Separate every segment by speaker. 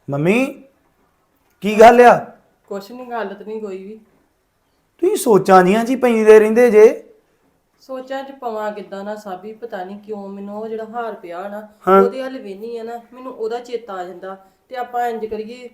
Speaker 1: Mummy ਕੀ ਗੱਲ ਆ?
Speaker 2: ਕੁਛ ਨਹੀਂ, ਗੱਲ ਤੇ ਨਹੀਂ ਕੋਈ ਵੀ।
Speaker 1: ਤੁਸੀਂ ਸੋਚਾਂ ਜੀਆਂ ਜੀ ਪੈਂਦੇ ਰਹਿੰਦੇ ਜੇ।
Speaker 2: ਸੋਚਾਂ ਚ ਪਵਾਂ ਕਿੱਦਾਂ ਨਾ ਸਾਬੀ, ਪਤਾ ਨਹੀਂ ਕਿਉਂ ਮੈਨੂੰ ਉਹ ਜਿਹੜਾ ਹਾਰ ਪਿਆ ਨਾ
Speaker 1: ਹਾਂ।
Speaker 2: ਉਹਦੇ ਹੱਲ ਵੇਨੀ ਆ ਨਾ, ਮੈਨੂੰ ਉਹਦਾ ਚੇਤਾ ਆ ਜਾਂਦਾ ਤੇ ਆਪਾਂ ਇੰਜ ਕਰੀਏ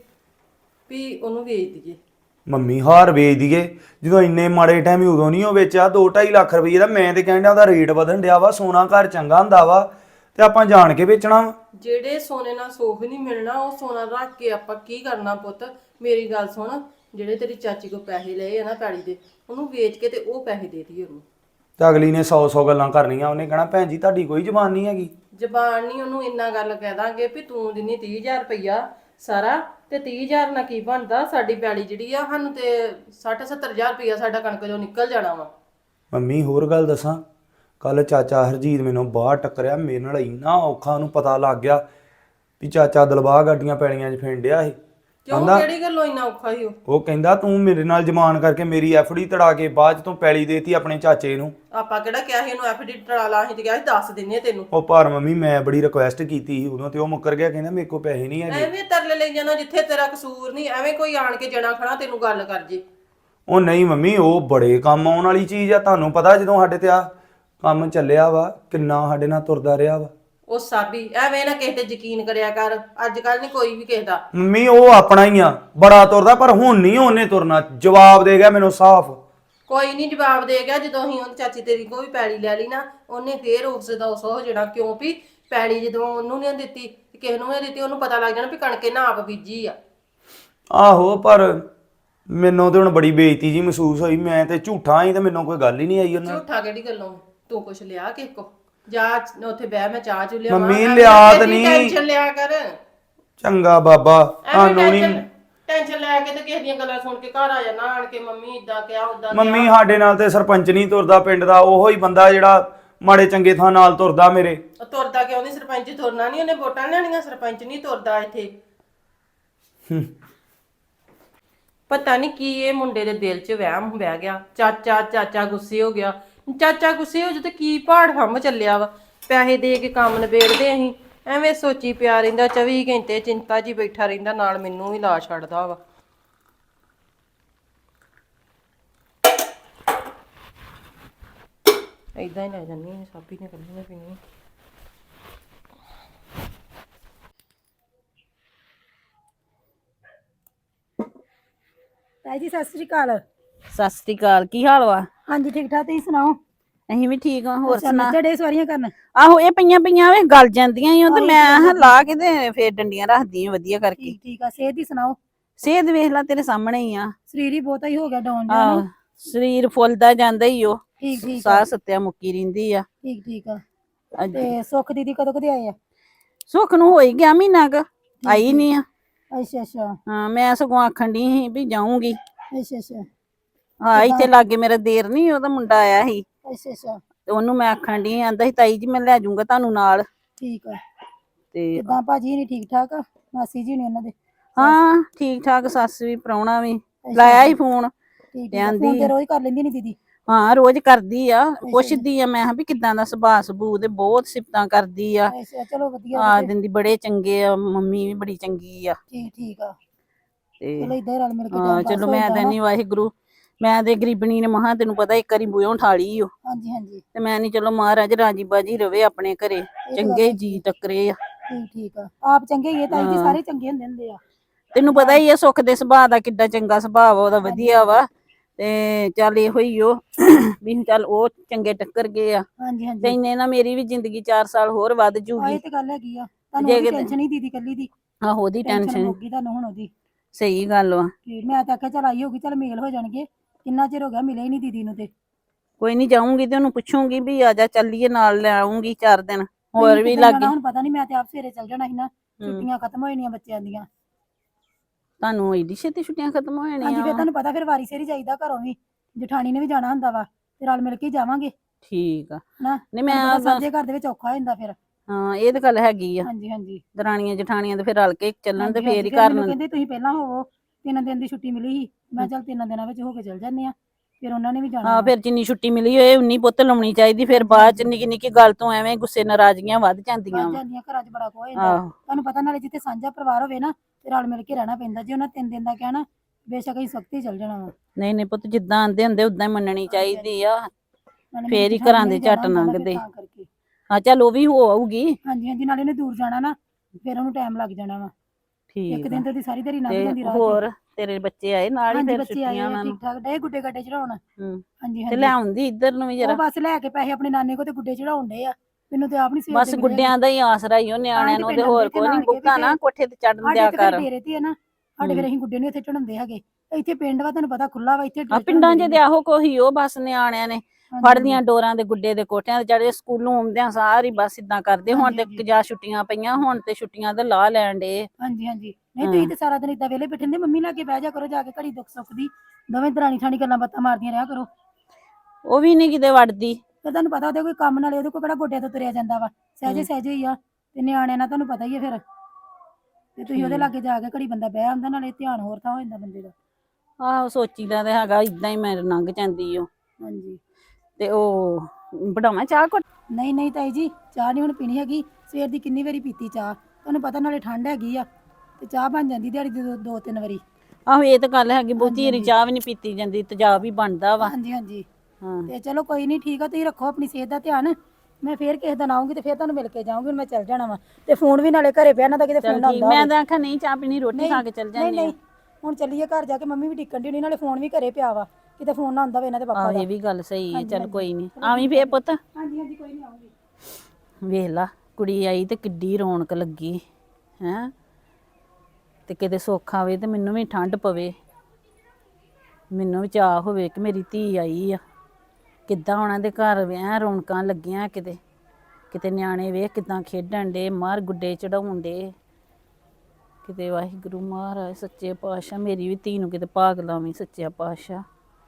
Speaker 2: ਵੀ ਉਹਨੂੰ ਵੇਚ ਦਈਏ।
Speaker 1: ਮੰਮੀ ਹਾਰ ਵੇਚ ਦਈਏ? ਜਦੋਂ ਇੰਨੇ ਮਾੜੇ ਟਾਈਮ ਹੀ ਉਦੋਂ ਨਹੀਂ ਉਹ ਵੇਚਿਆ। 2-2.5 ਲੱਖ ਰੁਪਏ ਦਾ। ਮੈਂ ਤੇ ਕਹਿੰਦਾ ਉਹਦਾ ਰੇਟ ਵਧਣ ਡਿਆ ਵਾ, ਸੋਨਾ ਘਰ ਚੰਗਾ ਹੁੰਦਾ ਵਾ ਤੇ ਆਪਾਂ ਜਾਣ ਕੇ ਵੇਚਣਾ ਵਾ।
Speaker 2: ਜਿਹੜੇ ਸੋਨੇ ਨਾਲ ਸੁੱਖ ਨਹੀਂ ਮਿਲਣਾ, ਉਹ ਸੋਨਾ ਰੱਖ ਕੇ ਆਪਾਂ ਕੀ ਕਰਨਾ ਪੁੱਤ? ਮੇਰੀ ਗੱਲ ਸੁਣ, ਜਿਹੜੇ ਤੇਰੀ ਚਾਚੀ ਕੋ ਪੈਸੇ ਲਏ ਆ ਨਾ ਪੈੜੀ ਦੇ, ਉਹਨੂੰ ਵੇਚ ਕੇ ਤੇ ਉਹ ਪੈਸੇ ਦੇ ਦਈਏ ਉਹਨੂੰ।
Speaker 1: ਤੇ ਅਗਲੀ ਨੇ 100 ਗੱਲਾਂ ਕਰਨੀਆਂ। ਉਹਨੇ ਕਹਿਣਾ ਭੈਣ ਜੀ ਤੁਹਾਡੀ ਕੋਈ ਜ਼ਬਾਨ ਨਹੀਂ ਹੈਗੀ।
Speaker 2: ਜ਼ਬਾਨ ਨਹੀਂ, ਉਹਨੂੰ ਇੰਨਾ ਗੱਲ ਕਹਿ ਦਾਂਗੇ ਵੀ ਤੂੰ ਦਿੰਨੀ 30,000 ਰੁਪਈਆ ਸਾਰਾ, ਤੇ 30,000 ਨਾਲ ਕੀ ਬਣਦਾ? ਸਾਡੀ ਪੈੜੀ ਜਿਹੜੀ ਆ ਸਾਨੂੰ ਤੇ 60-70,000 ਰੁਪਈਆ ਸਾਡਾ ਕਣਕ ਚੋਂ ਨਿਕਲ ਜਾਣਾ ਵਾ।
Speaker 1: ਮੰਮੀ ਹੋਰ ਗੱਲ ਦੱਸਾਂ, ਕੱਲ ਚਾਚਾ ਹਰਜੀਤ ਮੈਨੂੰ ਬਾਹਰ ਟੱਕਰਿਆ, ਮੇਰੇ ਨਾਲ ਇੰਨਾ ਔਖਾ। ਉਹਨੂੰ ਪਤਾ ਲੱਗ ਗਿਆ ਵੀ ਚਾਚਾ ਦਲਬਾਹ ਗੱਡੀਆਂ ਪੈਲੀਆਂ 'ਚ ਫਿੰਡਿਆ ਸੀ।
Speaker 2: ਕਿਉਂ, ਕਿਹੜੀ ਗੱਲੋਂ ਇੰਨਾ ਔਖਾ ਸੀ ਉਹ?
Speaker 1: ਉਹ ਕਹਿੰਦਾ ਤੂੰ ਮੇਰੇ ਨਾਲ ਜ਼ਮਾਨ ਕਰਕੇ ਮੇਰੀ ਐਫਡੀ ਤੜਾ ਕੇ ਬਾਅਦ 'ਚ ਤੂੰ ਪੈਲੀ ਦੇਤੀ ਆਪਣੇ ਚਾਚੇ ਨੂੰ।
Speaker 2: ਆਪਾਂ ਕਿਹੜਾ ਕਿਹਾ ਸੀ ਇਹਨੂੰ ਐਫਡੀ ਤੜਾ ਲਾ? ਅਸੀਂ ਤੇ ਕਿਹਾ ਸੀ ਦੱਸ ਦਿੰਨੇ ਤੈਨੂੰ।
Speaker 1: ਉਹ ਪਰ ਮੰਮੀ ਮੈਂ ਬੜੀ ਰਿਕੁਐਸਟ ਕੀਤੀ ਸੀ ਉਦੋਂ ਤੇ ਉਹ ਮੁੱਕਰ ਗਿਆ, ਕਹਿੰਦਾ ਮੇਰੇ ਕੋਲ ਪੈਸੇ ਨਹੀਂ ਹੈਗੇ।
Speaker 2: ਐਵੇਂ ਤਰਲੇ ਲਈ ਜਾਣਾ ਜਿੱਥੇ ਤੇਰਾ ਕਸੂਰ ਨਹੀਂ। ਐਵੇਂ ਕੋਈ ਆਣ ਕੇ ਜਣਾ ਖਣਾ ਤੈਨੂੰ ਗੱਲ ਕਰ ਜੇ।
Speaker 1: ਉਹ ਨਹੀਂ ਮੰਮੀ, ਉਹ ਬੜੇ ਕੰਮ ਆਉਣ ਵਾਲੀ ਚੀਜ਼ ਆ। ਤੁਹਾਨੂੰ ਪਤਾ ਜਦੋਂ ਸਾਡੇ ਤੇ ਆ ਕੰਮ ਚੱਲਿਆ ਵਾ ਕਿੰਨਾ ਸਾਡੇ ਨਾਲ ਤੁਰਦਾ ਰਿਹਾ ਵਾ।
Speaker 2: ਉਹ ਸਾਬੀ ਐਵੇਂ ਨਾ ਕਿਸੇ ਤੇ ਯਕੀਨ ਕਰਿਆ ਕਰ, ਅੱਜ ਕੱਲ ਨਹੀਂ ਕੋਈ ਵੀ ਕਿਸੇ ਦਾ।
Speaker 1: ਮੰਮੀ ਉਹ ਆਪਣਾ ਹੀ ਆ, ਬੜਾ ਤੁਰਦਾ, ਪਰ ਹੁਣ ਨਹੀਂ ਉਹਨੇ ਤੁਰਨਾ। ਜਵਾਬ ਦੇ ਗਿਆ ਮੈਨੂੰ ਸਾਫ਼।
Speaker 2: ਕੋਈ ਨਹੀਂ ਜਵਾਬ ਦੇ ਗਿਆ। ਜਦੋਂ ਅਸੀਂ ਉਹ ਚਾਚੀ ਤੇਰੀ ਕੋਈ ਪੈੜੀ ਲੈ ਲਈ ਨਾ, ਉਹਨੇ ਫੇਰ ਉਸ ਦਾ ਉਸ ਹੋ ਜਾਣਾ। ਕਿਉਂ ਵੀ ਪੈੜੀ ਜਦੋਂ ਉਹਨੂੰ ਨਹੀਂ ਦਿੱਤੀ ਤੇ ਕਿਸੇ ਨੂੰ ਨਹੀਂ ਦਿੱਤੀ, ਉਹਨੂੰ ਪਤਾ ਲੱਗ ਜਾਣਾ ਵੀ ਕਣਕੇ ਨਾ ਆਪ ਬੀਜੀ ਆ।
Speaker 1: ਆਹੋ, ਪਰ ਮੈਨੂੰ ਤੇ ਹੁਣ ਬੜੀ ਬੇਇੱਜ਼ਤੀ ਜੀ ਮਹਿਸੂਸ ਹੋਈ। ਮੈਂ ਤੇ ਝੂਠਾ ਹੀ ਤੇ ਮੈਨੂੰ ਕੋਈ ਗੱਲ ਹੀ ਨਹੀਂ ਆਈ ਉਹਨਾਂ।
Speaker 2: ਝੂਠਾ ਕਿਹੜੀ ਗੱਲੋਂ? ਤੂੰ ਕੁਛ ਲਿਆ ਕਿਸੇ ਕੋ? ਜਾ ਉੱਥੇ ਬਹਿ, ਮੈਂ ਚਾਹ ਚੁ ਲਿਆ।
Speaker 1: ਮੰਮੀ ਲਿਆ ਤੇ ਨਹੀਂ।
Speaker 2: ਟੈਨਸ਼ਨ ਲਿਆ ਕਰ।
Speaker 1: ਚੰਗਾ ਬਾਬਾ, ਤੁਹਾਨੂੰ ਨਹੀਂ।
Speaker 2: ਟੈਨਸ਼ਨ ਲੈ ਕੇ ਤੇ ਕਿਸੇ ਦੀਆਂ ਗੱਲਾਂ ਸੁਣ ਕੇ ਘਰ ਆ ਜਾਣਾ ਆਣ ਕੇ, ਮੰਮੀ ਇਦਾਂ ਕਿਹਾ ਉਦਾਂ।
Speaker 1: ਮੰਮੀ ਸਾਡੇ ਨਾਲ ਤੇ ਸਰਪੰਚ ਨਹੀਂ ਤੁਰਦਾ ਪਿੰਡ ਦਾ, ਉਹੋ ਹੀ ਬੰਦਾ ਜਿਹੜਾ ਮਾੜੇ ਚੰਗੇ ਥਾਂ ਨਾਲ ਤੁਰਦਾ ਮੇਰੇ।
Speaker 2: ਤੁਰਦਾ ਕਿਉਂ ਨਹੀਂ? ਸਰਪੰਚ ਤੁਰਨਾ ਨਹੀਂ? ਉਹਨੇ ਵੋਟਾਂ ਲੈਣੀਆਂ। ਸਰਪੰਚ ਨਹੀਂ ਤੁਰਦਾ ਇੱਥੇ। ਪਤਾ ਨਹੀਂ ਕੀ ਇਹ ਮੁੰਡੇ ਦੇ ਦਿਲ 'ਚ ਵਹਿਮ ਬਹਿ ਗਿਆ। ਚਾਚਾ ਗੁੱਸੇ ਹੋ ਗਿਆ। ਚਾਚਾ ਗੁੱਸੇ ਹੋ ਜਾ ਤੇ ਕੀ ਪਹਾੜ ਫੰਮ ਚੱਲਿਆ ਵਾ? ਪੈਸੇ ਦੇ ਕੇ ਕੰਮ ਨਿਬੇੜਦੇ ਅਸੀਂ, ਐਵੇਂ ਸੋਚੀ ਪਿਆ ਰਹਿੰਦਾ 24 ਘੰਟੇ ਚਿੰਤਾ 'ਚ ਹੀ ਬੈਠਾ ਰਹਿੰਦਾ, ਨਾਲ ਮੈਨੂੰ ਵੀ ਲਾ ਛੱਡਦਾ ਵਾ। ਏਦਾਂ ਹੀ ਲੈ ਜਾਂਦੀ ਹਾਂ, ਸਾਬੀ ਨੇ ਕੱਢੀ ਨਾ ਪੀਣੀ।
Speaker 3: ਤਾਈ ਜੀ ਸਤਿ ਸ੍ਰੀ ਅਕਾਲ।
Speaker 4: ਸਤਿ ਸ੍ਰੀ ਅਕਾਲ, ਕੀ ਹਾਲ ਵਾ?
Speaker 3: ਹਾਂਜੀ ਠੀਕ ਠਾਕ, ਤੁਸੀਂ ਸੁਣਾਓ?
Speaker 4: ਅਸੀਂ ਵੀ ਠੀਕ ਆ। ਹੋਰ ਸੁਣਾ?
Speaker 3: ਚੜੇ ਸਵਾਰੀਆਂ ਕਰਨ।
Speaker 4: ਆਹੋ, ਇਹ ਪਈਆਂ ਵੇ ਗਲ ਜਾਂਦੀਆਂ ਈ ਓ, ਤੇ ਮੈਂ ਲਾ ਕੇ ਤੇ ਫੇਰ ਡੰਡੀਆਂ ਰੱਖਦੀ ਆ ਵਧੀਆ ਕਰਕੇ।
Speaker 3: ਠੀਕ ਠੀਕ ਆ। ਸਿਹਤ ਦੀ ਸੁਣਾਓ?
Speaker 4: ਸਿਹਤ ਵੇਖ ਲੈ ਤੇਰੇ ਸਾਹਮਣੇ ਹੀ ਆ।
Speaker 3: ਸਰੀਰ ਹੀ ਬਹੁਤਾ ਹੀ ਹੋ ਗਿਆ ਡਾਊਨ
Speaker 4: ਆਹ
Speaker 3: ਜਿਹਾ।
Speaker 4: ਸਰੀਰ ਫੁੱਲਦਾ ਜਾਂਦਾ ਹੀ ਉਹ।
Speaker 3: ਠੀਕ ਠੀਕ
Speaker 4: ਸਾਹ ਸੱਤਿਆ ਮੁੱਕੀ ਰਹਿੰਦੀ ਆ।
Speaker 3: ਠੀਕ ਠੀਕ ਆ। ਤੇ ਸੁੱਖ ਦੀਦੀ ਕਦੋਂ ਕਦੇ ਆਏ ਆ?
Speaker 4: ਸੁੱਖ ਨੂੰ ਹੋਈ ਗਿਆ ਮਹੀਨਾ ਕ, ਆਈ ਨਹੀਂ ਆ।
Speaker 3: ਅੱਛਾ ਅੱਛਾ।
Speaker 4: ਹਾਂ, ਮੈਂ ਸਗੋਂ ਆਖਣ ਡਈ ਸੀ ਵੀ ਜਾਊਂਗੀ।
Speaker 3: ਅੱਛਾ ਅੱਛਾ।
Speaker 4: ਹਾਂ, ਇੱਥੇ ਲਾਗੇ ਮੇਰਾ ਦੇਰ ਨਹੀਂ, ਉਹਦਾ ਮੁੰਡਾ ਆਇਆ ਸੀ
Speaker 3: ਅੱਛਾ ਅੱਛਾ।
Speaker 4: ਤੇ ਉਹਨੂੰ ਮੈਂ ਆਖਣ ਡਈ, ਆਂਦਾ ਸੀ ਤਾਈ ਜੀ ਮੈਂ ਲੈ ਜਾਊਂਗਾ ਤੁਹਾਨੂੰ ਨਾਲ।
Speaker 3: ਠੀਕ ਆ।
Speaker 4: ਤੇ
Speaker 3: ਕਿੱਦਾਂ ਭਾਜੀ ਨਹੀਂ ਠੀਕ ਠਾਕ ਆ? ਮਾਸੀ ਜੀ ਨੇ ਉਹਨਾਂ ਦੇ?
Speaker 4: ਹਾਂ ਠੀਕ ਠਾਕ, ਸੱਸ ਵੀ ਪ੍ਰਾਹੁਣਾ ਵੀ ਲਾਇਆ ਸੀ ਫੋਨ।
Speaker 3: ਠੀਕ ਠੀਕ ਆ। ਫੋਨ ਤੇ ਰੋਜ਼ ਕਰ ਲੈਂਦੀ ਨੀ ਦੀਦੀ?
Speaker 4: ਹਾਂ ਰੋਜ਼ ਕਰਦੀ ਆ, ਪੁੱਛਦੀ ਆ ਮੈਂ ਕਿਹਾ ਵੀ ਕਿੱਦਾਂ ਦਾ ਸੁਭਾਅ ਸਬੂਤ ਤੇ ਬਹੁਤ ਸਿਫਤਾਂ ਕਰਦੀ ਆ।
Speaker 3: ਅੱਛਾ ਚਲੋ ਵਧੀਆ।
Speaker 4: ਆ ਦਿੰਦੀ ਬੜੇ ਚੰਗੇ ਆ, ਮੰਮੀ ਵੀ ਬੜੀ ਚੰਗੀ ਆ।
Speaker 3: ਠੀਕ ਠੀਕ ਆ।
Speaker 4: ਤੇ
Speaker 3: ਚਲੋ ਇਦਾਂ ਹੀ ਰਲ ਮਿਲ ਕੇ
Speaker 4: ਹਾਂ ਚਲੋ, ਮੈਂ ਤਾਂ ਨਹੀਂ, ਵਾਹਿਗੁਰੂ, ਮੈਂ ਤੇ ਗਰੀਬਣੀ ਨੇ ਮਹਾ ਤੈਨੂੰ ਪਤਾ ਇੱਕ ਵਾਰੀ ਬੂਹੋਂ ਠਾਲੀ ਓ।
Speaker 3: ਹਾਂਜੀ ਹਾਂਜੀ।
Speaker 4: ਤੇ ਮੈਂ ਨਹੀਂ, ਚਲੋ ਮਹਾਰਾਜ ਰਾਜੀ ਬਾਜੀ ਰਵੇ ਆਪਣੇ ਘਰੇ, ਚੰਗੇ ਜੀ ਟੱਕਰੇ ਆ।
Speaker 3: ਠੀਕ ਠੀਕ ਆ। ਆਪ ਚੰਗੇ ਹੀ ਆ ਤਾਈ ਜੀ, ਸਾਰੇ ਚੰਗੇ ਹੁੰਦੇ ਆ।
Speaker 4: ਤੈਨੂੰ ਪਤਾ ਹੀ ਆ ਸੁੱਖ ਦੇ ਸੁਭਾਅ ਦਾ, ਕਿੱਡਾ ਚੰਗਾ ਸੁਭਾਅ ਉਹਦਾ, ਵਧੀਆ ਵਾ। ਤੇ ਚੱਲ ਇਹੋ ਹੀ ਉਹ ਵੀ ਚੱਲ ਉਹ ਚੰਗੇ ਟੱਕਰ ਗਏ ਆ।
Speaker 3: ਹਾਂਜੀ ਹਾਂਜੀ।
Speaker 4: ਤੇ ਇੰਨੇ ਨਾ ਮੇਰੀ ਵੀ ਜ਼ਿੰਦਗੀ 4 ਸਾਲ ਹੋਰ ਵੱਧ ਜੂਗੀ।
Speaker 3: ਇਹ ਤੇ ਗੱਲ ਹੈਗੀ ਆ। ਤੁਹਾਨੂੰ ਉਹਦੀ ਟੈਨਸ਼ਨ ਹੀ ਦੀਦੀ ਕੱਲੀ ਦੀ।
Speaker 4: ਆਹੋ, ਉਹਦੀ ਟੈਨਸ਼ਨ
Speaker 3: ਹੋਗੀ ਤੁਹਾਨੂੰ ਹੁਣ ਉਹਦੀ।
Speaker 4: ਸਹੀ ਗੱਲ ਵਾ।
Speaker 3: ਮੈਂ ਤਾਂ ਆਖਿਆ ਚੱਲ ਆਈ ਹੋਗੀ, ਚੱਲ ਮੇਲ ਹੋ ਜਾਣਗੇ। ਕਿੰਨਾ ਚਿਰ ਹੋ ਗਿਆ ਮਿਲੇ ਹੀ ਨਹੀਂ ਦੀਦੀ ਨੂੰ। ਤੇ
Speaker 4: ਕੋਈ ਨਹੀਂ, ਜਾਊਂਗੀ ਤੇ ਉਹਨੂੰ ਪੁੱਛੂੰਗੀ ਵੀ ਆ ਜਾ ਚੱਲੀਏ, ਨਾਲ ਲੈ ਆਉਂਗੀ 4 ਦਿਨ ਹੋਰ ਵੀ ਲੱਗੇ।
Speaker 3: ਹੁਣ ਪਤਾ ਨਹੀਂ, ਮੈਂ ਤੇ ਆਪ ਸਵੇਰੇ ਚੱਲ ਜਾਣਾ ਸੀ ਨਾ, ਛੁੱਟੀਆਂ ਖਤਮ ਹੋ ਜਾਣੀਆਂ ਬੱਚਿਆਂ ਦੀਆਂ।
Speaker 4: ਤੁਹਾਨੂੰ ਏਡੀ ਛੇਤੀ ਛੁੱਟੀਆਂ ਖਤਮ ਹੋ ਜਾਣੀਆਂ?
Speaker 3: ਹਾਂਜੀ, ਫਿਰ ਤੁਹਾਨੂੰ ਪਤਾ ਫਿਰ ਵਾਰੀ ਸੇਰੀ ਜਾਈਦਾ ਘਰੋਂ ਵੀ, ਜਠਾਣੀ ਨੇ ਵੀ ਜਾਣਾ ਹੁੰਦਾ ਵਾ, ਤੇ ਰਲ ਮਿਲ ਕੇ ਜਾਵਾਂਗੇ।
Speaker 4: ਠੀਕ ਆ
Speaker 3: ਨਾ
Speaker 4: ਨਹੀਂ, ਮੈਂ
Speaker 3: ਸਾਂਝੇ ਘਰ ਦੇ ਵਿੱਚ ਔਖਾ ਹੋ ਜਾਂਦਾ ਫਿਰ।
Speaker 4: ਹਾਂ ਇਹ ਤਾਂ ਗੱਲ ਹੈਗੀ ਆ।
Speaker 3: ਹਾਂਜੀ ਹਾਂਜੀ।
Speaker 4: ਦਰਾਣੀਆਂ ਜਠਾਣੀਆਂ ਤੇ ਫਿਰ ਰਲ ਕੇ ਚੱਲਣ ਤੇ ਫੇਰ ਹੀ
Speaker 3: ਮੈਨੂੰ
Speaker 4: ਕਰਨ।
Speaker 3: ਕਹਿੰਦੇ ਤੁਸੀਂ ਪਹਿਲਾਂ ਹੋਵੋ, 3 ਦਿਨ ਦੀ ਛੁੱਟੀ ਮਿਲੀ ਸੀ। ਮੈਂ ਚੱਲ 3 ਦਿਨਾਂ ਵਿੱਚ ਹੋ ਕੇ ਚੱਲ ਜਾਂਦੇ ਆ, ਫਿਰ ਉਹਨਾਂ ਨੇ ਵੀ ਜਾਣਾ।
Speaker 4: ਹਾਂ, ਫਿਰ ਜਿੰਨੀ ਛੁੱਟੀ ਮਿਲੀ ਹੋਏ ਉਨੀ ਪੁੱਤ ਲਾਉਣੀ ਚਾਹੀਦੀ। ਫਿਰ ਬਾਅਦ ਚ ਨਿੱਕੀ ਨਿੱਕੀ ਗੱਲ ਤੋਂ ਐਵੇਂ ਗੁੱਸੇ ਨਾਰਾਜ਼ਗੀਆਂ ਵੱਧ ਜਾਂਦੀਆਂ ਵਾ।
Speaker 3: ਘਰਾਂ 'ਚ ਬੜਾ ਕੋਹ ਜਾਂਦਾ ਤੁਹਾਨੂੰ ਪਤਾ। ਨਾਲੇ ਜਿੱਥੇ ਸਾਂਝਾ ਪਰਿਵਾਰ ਹੋਵੇ ਨਾ, ਤੇ ਰਲ ਮਿਲ ਕੇ ਰਹਿਣਾ ਪੈਂਦਾ। ਜੇ ਉਹਨਾਂ 3 ਦਿਨ ਦਾ ਕਹਿਣਾ ਬੇਸ਼ੱਕ ਅਸੀਂ ਸਖਤੀ ਚੱਲ ਜਾਣਾ ਵਾ।
Speaker 4: ਨਹੀਂ ਨਹੀਂ ਪੁੱਤ, ਜਿੱਦਾਂ ਆਂਦੇ ਹੁੰਦੇ ਉਦਾਂ ਹੀ ਮੰਨਣੀ ਚਾਹੀਦੀ ਆ।
Speaker 3: ਨਾਲੇ
Speaker 4: ਫੇਰ ਹੀ
Speaker 3: ਮੇਰੀ
Speaker 4: ਘਰਾਂ ਦੇ
Speaker 3: ਜਾਣਾ
Speaker 4: ਝੱਟ
Speaker 3: ਹੁੰਦਾ ਨਾ, ਫਿਰ
Speaker 4: ਲੰਘਦੇ।
Speaker 3: ਤਾਂ ਕਰਕੇ।
Speaker 4: ਹਾਂ ਚੱਲ ਉਹ ਵੀ ਹੋ ਆਊਗੀ।
Speaker 3: ਹਾਂਜੀ ਹਾਂਜੀ, ਨਾਲੇ ਉਹਨੇ ਦੂਰ ਜਾਣਾ ਨਾ, ਫਿਰ ਉਹਨੂੰ ਟਾਈਮ ਲੱਗ ਜਾਣਾ ਵਾ। ਇੱਕ
Speaker 4: ਠੀਕ
Speaker 3: ਦਿਨ
Speaker 4: ਆ।
Speaker 3: ਤੇ ਉਹਦੀ ਸਾਰੀ ਦਿਹਾੜੀ ਲੰਘ
Speaker 4: ਤੇ
Speaker 3: ਜਾਂਦੀ ਰਾਹ 'ਚ।
Speaker 4: ਹੋਰ ਤੇਰੇ ਬੱਚੇ ਆਏ ਨਾਲ ਹੀ
Speaker 3: ਹਾਂਜੀ
Speaker 4: ਫਿਰ
Speaker 3: ਬੱਚੇ ਆਏ
Speaker 4: ਛੁੱਟੀਆਂ
Speaker 3: ਆ
Speaker 4: ਉਹਨਾਂ ਨੂੰ?
Speaker 3: ਠੀਕ ਠਾਕ, ਡੇ ਗੁੱਡੇ ਗੱਡੇ ਚੜਾਉਣ।
Speaker 4: ਹੂੰ।
Speaker 3: ਹਾਂਜੀ
Speaker 4: ਤੇ
Speaker 3: ਹਾਂਜੀ,
Speaker 4: ਲੈ ਆਉਂਦੀ ਇੱਧਰ ਨੂੰ ਵੀ
Speaker 3: ਉਹ
Speaker 4: ਜਰਾ।
Speaker 3: ਬਸ ਲੈ ਕੇ ਪੈਸੇ ਆਪਣੇ ਨਾਨੇ ਕੋ ਤੇ ਗੁੱਡੇ ਚੜਾਉਣ ਡੇ ਆ। ਮੈਨੂੰ ਤੇ ਆਪ ਨਹੀਂ ਸਵੇਰ
Speaker 4: ਬਸ
Speaker 3: ਦੇ ਮਿਲੇ
Speaker 4: ਗੁੱਡਿਆਂ ਦਾ ਹੀ ਆਸਰਾ ਹੀ ਉਹ ਨਿਆਣਿਆਂ ਨੂੰ, ਤੇ ਹੋਰ ਕੋਈ ਨਹੀਂ। ਬੁੱਕਾ ਨਾ ਕੋਠੇ ਤੇ ਚੜਨ ਦਿਆ
Speaker 3: ਸਾਡੇ
Speaker 4: ਕਰ।
Speaker 3: ਤੇ ਡੇਰੇ ਤੇ ਆ ਨਾ, ਸਾਡੇ ਫਿਰ ਅਸੀਂ ਗੁੱਡੇ ਨੂੰ ਇੱਥੇ ਚੜਾਉਂਦੇ ਹੈਗੇ। ਇੱਥੇ ਪਿੰਡ ਵਾ, ਤੁਹਾਨੂੰ ਪਤਾ ਖੁੱਲਾ ਵਾ, ਇੱਥੇ
Speaker 4: ਆ ਪਿੰਡਾਂ 'ਚ ਤੇ ਆਹੋ ਕੋਈ ਉਹ ਬਸ ਨਿਆਣਿਆਂ ਨੇ ਫੜਦੀਆਂ ਡੋਰਾਂ ਦੇ ਗੁੱਡੇ ਦੇ ਕੋਠਿਆਂ ਤੇ ਚੜ੍ਹਦੇ, ਸਕੂਲੋਂ ਆਉਂਦਿਆਂ ਸਾਰੀ ਬਸ ਇਦਾਂ ਕਰਦੇ। ਹੁਣ ਤੇ ਜਾਂ ਛੁੱਟੀਆਂ ਪਈਆਂ, ਹੁਣ ਤੇ ਛੁੱਟੀਆਂ ਤੇ ਲਾ ਲੈਣ ਡੇ।
Speaker 3: ਹਾਂਜੀ ਹਾਂਜੀ, ਨਹੀਂ ਤੁਸੀਂ ਤੇ ਸਾਰਾ ਦਿਨ ਏਦਾਂ ਵੇਲੇ ਬੈਠੇ ਹੁੰਦੇ। ਮੰਮੀ ਲਾਗੇ ਬਹਿ ਜਾ ਕਰੋ ਜਾ ਕੇ, ਘੜੀ ਦੁੱਖ ਸੁੱਖ ਦੀ ਦੋਵੇਂ ਦਰਾਣੀ ਠਾਣੀ ਗੱਲਾਂ ਬਾਤਾਂ ਮਾਰਦੀਆਂ ਰਿਹਾ ਕਰੋ।
Speaker 4: ਉਹ ਵੀ ਨਹੀਂ ਕਿਤੇ ਵੜਦੀ।
Speaker 3: ਤੇ ਤੁਹਾਨੂੰ ਪਤਾ ਉਹਦੇ ਕੋਈ ਕੰਮ ਨਾਲੇ ਉਹਦੇ ਕੋਲ ਕਿਹੜਾ ਗੋਡਿਆਂ ਤੋਂ ਤੁਰਿਆ ਜਾਂਦਾ ਵਾ, ਸਹਿਜੇ ਸਹਿਜੇ ਹੀ ਆ। ਤੇ ਨਿਆਣਿਆਂ ਨਾਲ ਤੁਹਾਨੂੰ ਪਤਾ ਹੀ ਆ ਫਿਰ। ਤੇ ਤੁਸੀਂ ਉਹਦੇ ਲਾਗੇ ਜਾ ਕੇ ਘੜੀ ਬੰਦਾ ਬਹਿ ਹੁੰਦਾ, ਨਾਲੇ ਧਿਆਨ ਹੋਰ ਤਾਂ ਹੋ ਜਾਂਦਾ ਬੰਦੇ ਦਾ।
Speaker 4: ਆਹੋ ਸੋਚੀਦਾ ਤੇ ਹੈਗਾ, ਇਦਾਂ ਹੀ ਮੈਂ ਲੰਘ ਜਾਂਦੀ ਓ।
Speaker 3: ਹਾਂਜੀ,
Speaker 4: ਤੇ ਉਹ ਬਣਾਵਾਂ ਚਾਹ ਘੁੱਟ?
Speaker 3: ਨਹੀਂ ਨਹੀਂ ਤਾਈ ਜੀ, ਚਾਹ ਨਹੀਂ ਹੁਣ ਪੀਣੀ ਹੈਗੀ। ਸਵੇਰ ਦੀ ਕਿੰਨੀ ਵਾਰੀ ਪੀਤੀ ਚਾਹ, ਤੁਹਾਨੂੰ ਪਤਾ ਨਾਲੇ ਠੰਡ ਹੈਗੀ ਆ, ਤੇ ਚਾਹ ਬਣ ਜਾਂਦੀ ਦਿਹਾੜੀ ਦੇ 2-3 ਵਾਰੀ।
Speaker 4: ਆਹੋ ਇਹ ਤਾਂ ਗੱਲ ਹੈਗੀ, ਬਹੁਤੀ ਰੀ ਚਾਹ ਵੀ ਨਹੀਂ ਪੀਤੀ ਜਾਂਦੀ, ਤੇਜ਼ਾਬ ਵੀ ਬਣਦਾ ਵਾ।
Speaker 3: ਹਾਂਜੀ ਹਾਂਜੀ,
Speaker 4: ਹਾਂ
Speaker 3: ਤੇ ਚਲੋ ਕੋਈ ਨਹੀਂ, ਠੀਕ ਆ। ਤੁਸੀਂ ਰੱਖੋ ਆਪਣੀ ਸਿਹਤ ਦਾ ਧਿਆਨ। ਮੈਂ ਫੇਰ ਕਿਸੇ ਦਿਨ ਆਉਂਗੀ ਤੇ ਫੇਰ ਤੁਹਾਨੂੰ ਮਿਲ ਕੇ ਜਾਊਂਗੀ। ਹੁਣ ਮੈਂ ਚੱਲ ਜਾਣਾ ਵਾ, ਤੇ ਫੋਨ ਵੀ ਨਾਲੇ ਘਰੇ ਪਿਆ, ਨਾ ਤਾਂ ਕਿਤੇ
Speaker 4: ਚੱਲ
Speaker 3: ਫੋਨ
Speaker 4: ਠੀਕ।
Speaker 3: ਆਉਂਦਾ
Speaker 4: ਮੈਂ ਤਾਂ ਆਖਿਆ ਨਹੀਂ ਚਾਹ ਪੀਣੀ, ਰੋਟੀ ਖਾ ਕੇ ਚੱਲ
Speaker 3: ਨਹੀਂ
Speaker 4: ਜਾਂਦੇ ਆ।
Speaker 3: ਨਹੀਂ, ਹੁਣ ਚੱਲੀਏ ਘਰ ਜਾ ਕੇ, ਮੰਮੀ ਵੀ ਡਿੱਕਣ ਦੀ ਹੋਣੀ, ਨਾਲੇ ਫੋਨ ਵੀ ਘਰੇ ਪਿਆ ਵਾ, ਕਿਤੇ ਫੋਨ ਨਾ ਆਉਂਦਾ ਵੇ ਇਹਨਾਂ ਦੇ ਪਾਪਾ
Speaker 4: ਆਹੋ
Speaker 3: ਦਾ।
Speaker 4: ਇਹ ਵੀ ਗੱਲ ਸਹੀ ਹੈ। ਚੱਲ ਕੋਈ ਨਹੀਂ, ਆਵੀਂ ਫੇਰ ਪੁੱਤ।
Speaker 3: ਹਾਂਜੀ ਹਾਂਜੀ, ਕੋਈ ਨਹੀਂ ਆਉਂਗੀ।
Speaker 4: ਵੇਖ ਲਾ, ਕੁੜੀ ਆਈ ਤੇ ਕਿੱਡੀ ਰੌਣਕ ਲੱਗੀ ਹੈਂ। ਤੇ ਕਿਤੇ ਸੁੱਖ ਆਵੇ ਤੇ ਮੈਨੂੰ ਵੀ ਠੰਡ ਪਵੇ, ਮੈਨੂੰ ਵੀ ਚਾਅ ਹੋਵੇ ਕਿ ਮੇਰੀ ਧੀ ਆਈ ਆ। ਕਿੱਦਾਂ ਉਹਨਾਂ ਦੇ ਘਰ ਵਿਆਹ ਰੌਣਕਾਂ ਲੱਗੀਆਂ। ਕਿਤੇ ਕਿਤੇ ਨਿਆਣੇ ਵੇਖ ਕਿੱਦਾਂ ਖੇਡਣ ਡੇ, ਮਾਰ ਗੁੱਡੇ ਚੜਾਉਣ ਡੇ। ਕਿਤੇ ਵਾਹਿਗੁਰੂ ਮਹਾਰਾਜ ਸੱਚੇ ਪਾਤਸ਼ਾਹ ਮੇਰੀ ਵੀ ਧੀ ਨੂੰ ਕਿਤੇ ਭਾਗ ਲਾਵੀਂ ਸੱਚਿਆ ਪਾਤਸ਼ਾਹ।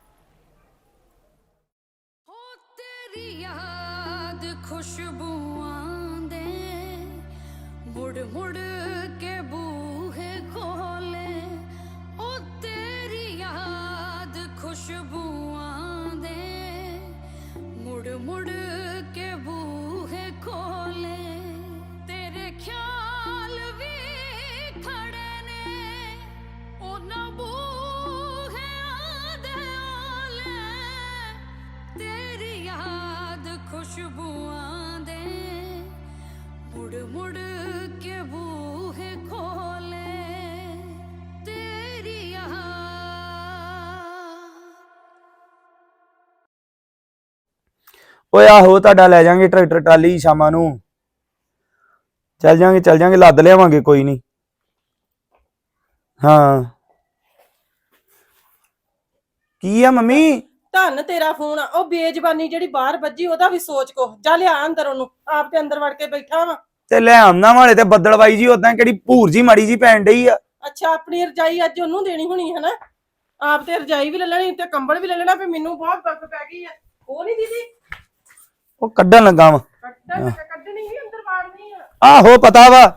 Speaker 5: ਤੇਰੀ ਯਾਦ ਖੁਸ਼ਬੂਆਂ ਦੇ ਮੁੜ ਮੁੜ ਕੇ ਬੂਹੇ ਖੋਲੇ। ਓ ਤੇਰੀ ਯਾਦ ਖੁਸ਼ਬੂਆਂ ਦੇ ਮੁੜ ਮੁੜ ਕੇ ਬੂਹੇ ਖੋਲੇ। ਤੇਰੇ ਖਿਆਲ ਵੀ ਖੜੇ ਨੇ ਉਹਨਾਂ ਬੂਹਿਆਂ ਦੇ ਆਲੇ। ਤੇਰੀ ਯਾਦ ਖੁਸ਼ਬੂਆਂ ਦੇ ਮੁੜ ਮੁੜ ਕੇ ਬੂਹੇ ਖੋਲੇ। ਤੇਰੀ ਯਾਦ।
Speaker 1: ਓਏ ਆਹੋ, ਤੁਹਾਡਾ ਲੈ ਜਾਾਂਗੇ ਟਰੈਕਟਰ ਟਰਾਲੀ ਸ਼ਾਮਾਂ ਨੂੰ। ਚੱਲ ਜਾਾਂਗੇ ਲੱਦ ਲਿਆਵਾਂਗੇ, ਕੋਈ ਨਹੀਂ। ਹਾਂ ਕੀ ਆ ਮੰਮੀ?
Speaker 2: ਧੰਨ ਤੇਰਾ ਫੋਨ ਆ। ਉਹ ਬੇਜ਼ਬਾਨੀ ਜਿਹੜੀ ਬਾਹਰ ਵੱਜੀ, ਉਹਦਾ ਵੀ ਸੋਚ ਕੋ। ਜਾ ਲਿਆ ਅੰਦਰ ਉਹਨੂੰ, ਆਪ ਤੇ ਅੰਦਰ ਵੜ ਕੇ ਬੈਠਾ ਵਾ।
Speaker 1: ਤੇ ਲੈ ਆਉਣਾ ਵਾਲੇ ਤੇ ਬੱਦਲਵਾਈ ਜੀ ਉਦਾਂ ਕਿਹੜੀ ਭੂਰ ਜੀ ਮਾੜੀ ਜੀ ਪੈਣ ਡਈ ਆ।
Speaker 2: ਅੱਛਾ, ਆਪਣੀ ਰਜਾਈ ਅੱਜ ਉਹਨੂੰ ਦੇਣੀ ਹੋਣੀ ਹੈ ਨਾ। ਆਪ ਤੇ ਰਜਾਈ ਵੀ ਲੈ ਲੈਣੀ ਤੇ ਕੰਬਲ ਵੀ ਲੈ ਲੈਣਾ, ਫਿਰ ਮੈਨੂੰ ਬਹੁਤ ਦਰਦ ਪੈ ਗਈ ਆ। ਉਹ ਨਹੀਂ ਦੀਦੀ
Speaker 1: ਉਹ ਕੱਢਣ ਲੱਗਾ ਵਾ।
Speaker 2: ਕੱਢਣੀ ਵੀ ਅੰਦਰ ਵਾੜਨੀ ਆ।
Speaker 1: ਆਹੋ ਪਤਾ ਵਾ।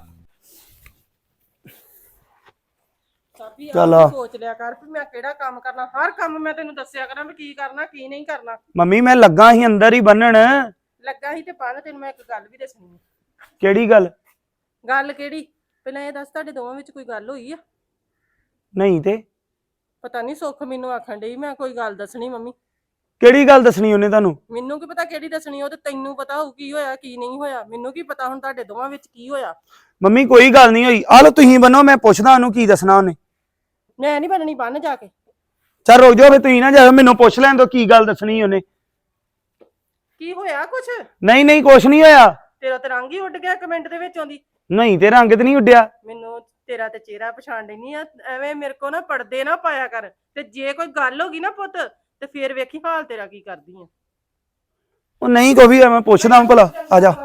Speaker 2: ਸਾਬੀ
Speaker 1: ਚੱਲ
Speaker 2: ਆਪ ਸੋਚ ਲਿਆ ਕਰ ਵੀ ਮੈਂ ਕਿਹੜਾ ਕੰਮ ਕਰਨਾ। ਹਰ ਕੰਮ ਮੈਂ ਤੈਨੂੰ ਦੱਸਿਆ ਕਰਾਂ ਵੀ ਕੀ ਕਰਨਾ ਕੀ ਨਹੀਂ ਕਰਨਾ।
Speaker 1: ਮੰਮੀ ਮੈਂ ਲੱਗਾ ਸੀ ਅੰਦਰ ਹੀ ਬੰਨਣ।
Speaker 2: ਲੱਗਾ ਸੀ ਤੇ ਪਾ ਤੈਨੂੰ ਮੈਂ ਇੱਕ ਗੱਲ ਵੀ ਦੱਸਣੀ ਆ।
Speaker 1: ਕਿਹੜੀ ਗੱਲ?
Speaker 2: ਗੱਲ ਕਿਹੜੀ? ਪਹਿਲਾਂ ਇਹ ਦੱਸ, ਤੁਹਾਡੇ ਦੋਵਾਂ ਵਿੱਚ ਕੋਈ ਗੱਲ ਹੋਈ ਆ?
Speaker 1: ਨਹੀਂ ਤੇ
Speaker 2: ਪਤਾ ਨਹੀਂ, ਸੁੱਖ ਮੈਨੂੰ ਆਖਣ ਡਈ ਮੈਂ ਕੋਈ ਗੱਲ ਦੱਸਣੀ ਮੰਮੀ।
Speaker 1: ਕਿਹੜੀ ਗੱਲ ਦੱਸਣੀ ਉਹਨੇ ਤੁਹਾਨੂੰ?
Speaker 2: ਮੈਨੂੰ ਕੀ ਪਤਾ ਕਿਹੜੀ ਦੱਸਣੀ, ਉਹ ਤੇ ਤੈਨੂੰ ਪਤਾ ਹੋਊ ਕੀ ਹੋਇਆ ਕੀ ਨਹੀਂ ਹੋਇਆ। ਮੈਨੂੰ ਕੀ ਪਤਾ ਹੁਣ ਤੁਹਾਡੇ ਦੋਵਾਂ ਵਿੱਚ ਕੀ ਹੋਇਆ।
Speaker 1: ਮੰਮੀ ਕੋਈ ਗੱਲ ਨਹੀਂ ਹੋਈ। ਆ ਲੋ ਤੁਸੀਂ ਬੰਨੋ, ਮੈਂ ਪੁੱਛਦਾ ਉਹਨੂੰ ਕੀ ਦੱਸਣਾ ਉਹਨੇ।
Speaker 2: ਮੈਂ ਨਹੀਂ ਬਣਨੀ, ਬੰਨ ਜਾ ਕੇ।
Speaker 1: ਚੱਲ ਰੁਕ ਜਾਓ, ਫਿਰ ਤੁਸੀਂ ਨਾ ਜਾਓ, ਮੈਨੂੰ ਪੁੱਛ ਲੈਣ ਦੋ ਕੀ ਗੱਲ ਦੱਸਣੀ ਉਹਨੇ।
Speaker 2: ਕੀ ਹੋਇਆ ਕੁਛ?
Speaker 1: ਨਹੀਂ ਕੁਛ ਨਹੀਂ ਹੋਇਆ।
Speaker 2: ਤੇਰਾ ਤੇ ਰੰਗ ਹੀ ਉੱਡ ਗਿਆ ਕਮੈਂਟ ਦੇ ਵਿੱਚ ਆਉਂਦੀ।
Speaker 1: ਨਹੀਂ ਤੇ ਰੰਗ ਤੇ ਨਹੀਂ ਉੱਡਿਆ।
Speaker 2: ਮੈਨੂੰ ਤੇਰਾ ਤੇ ਚਿਹਰਾ ਪਛਾਣ ਲੈਣੀ ਆ। ਐਵੇਂ ਮੇਰੇ ਕੋ ਨਾ ਪਰਦੇ ਨਾ ਪਾਇਆ ਕਰ, ਤੇ ਜੇ ਕੋਈ ਗੱਲ ਹੋ ਗਈ ਨਾ ਪੁੱਤ, ਤੇ ਫੇਰ ਵੇਖੀ ਹਾਲ ਤੇਰਾ ਕੀ ਕਰਦੀ ਆ।
Speaker 1: ਉਹ ਨਹੀਂ ਕੋਈ ਵੀ, ਮੈਂ ਪੁੱਛਦਾ ਭਲਾ। ਆ ਜਾ।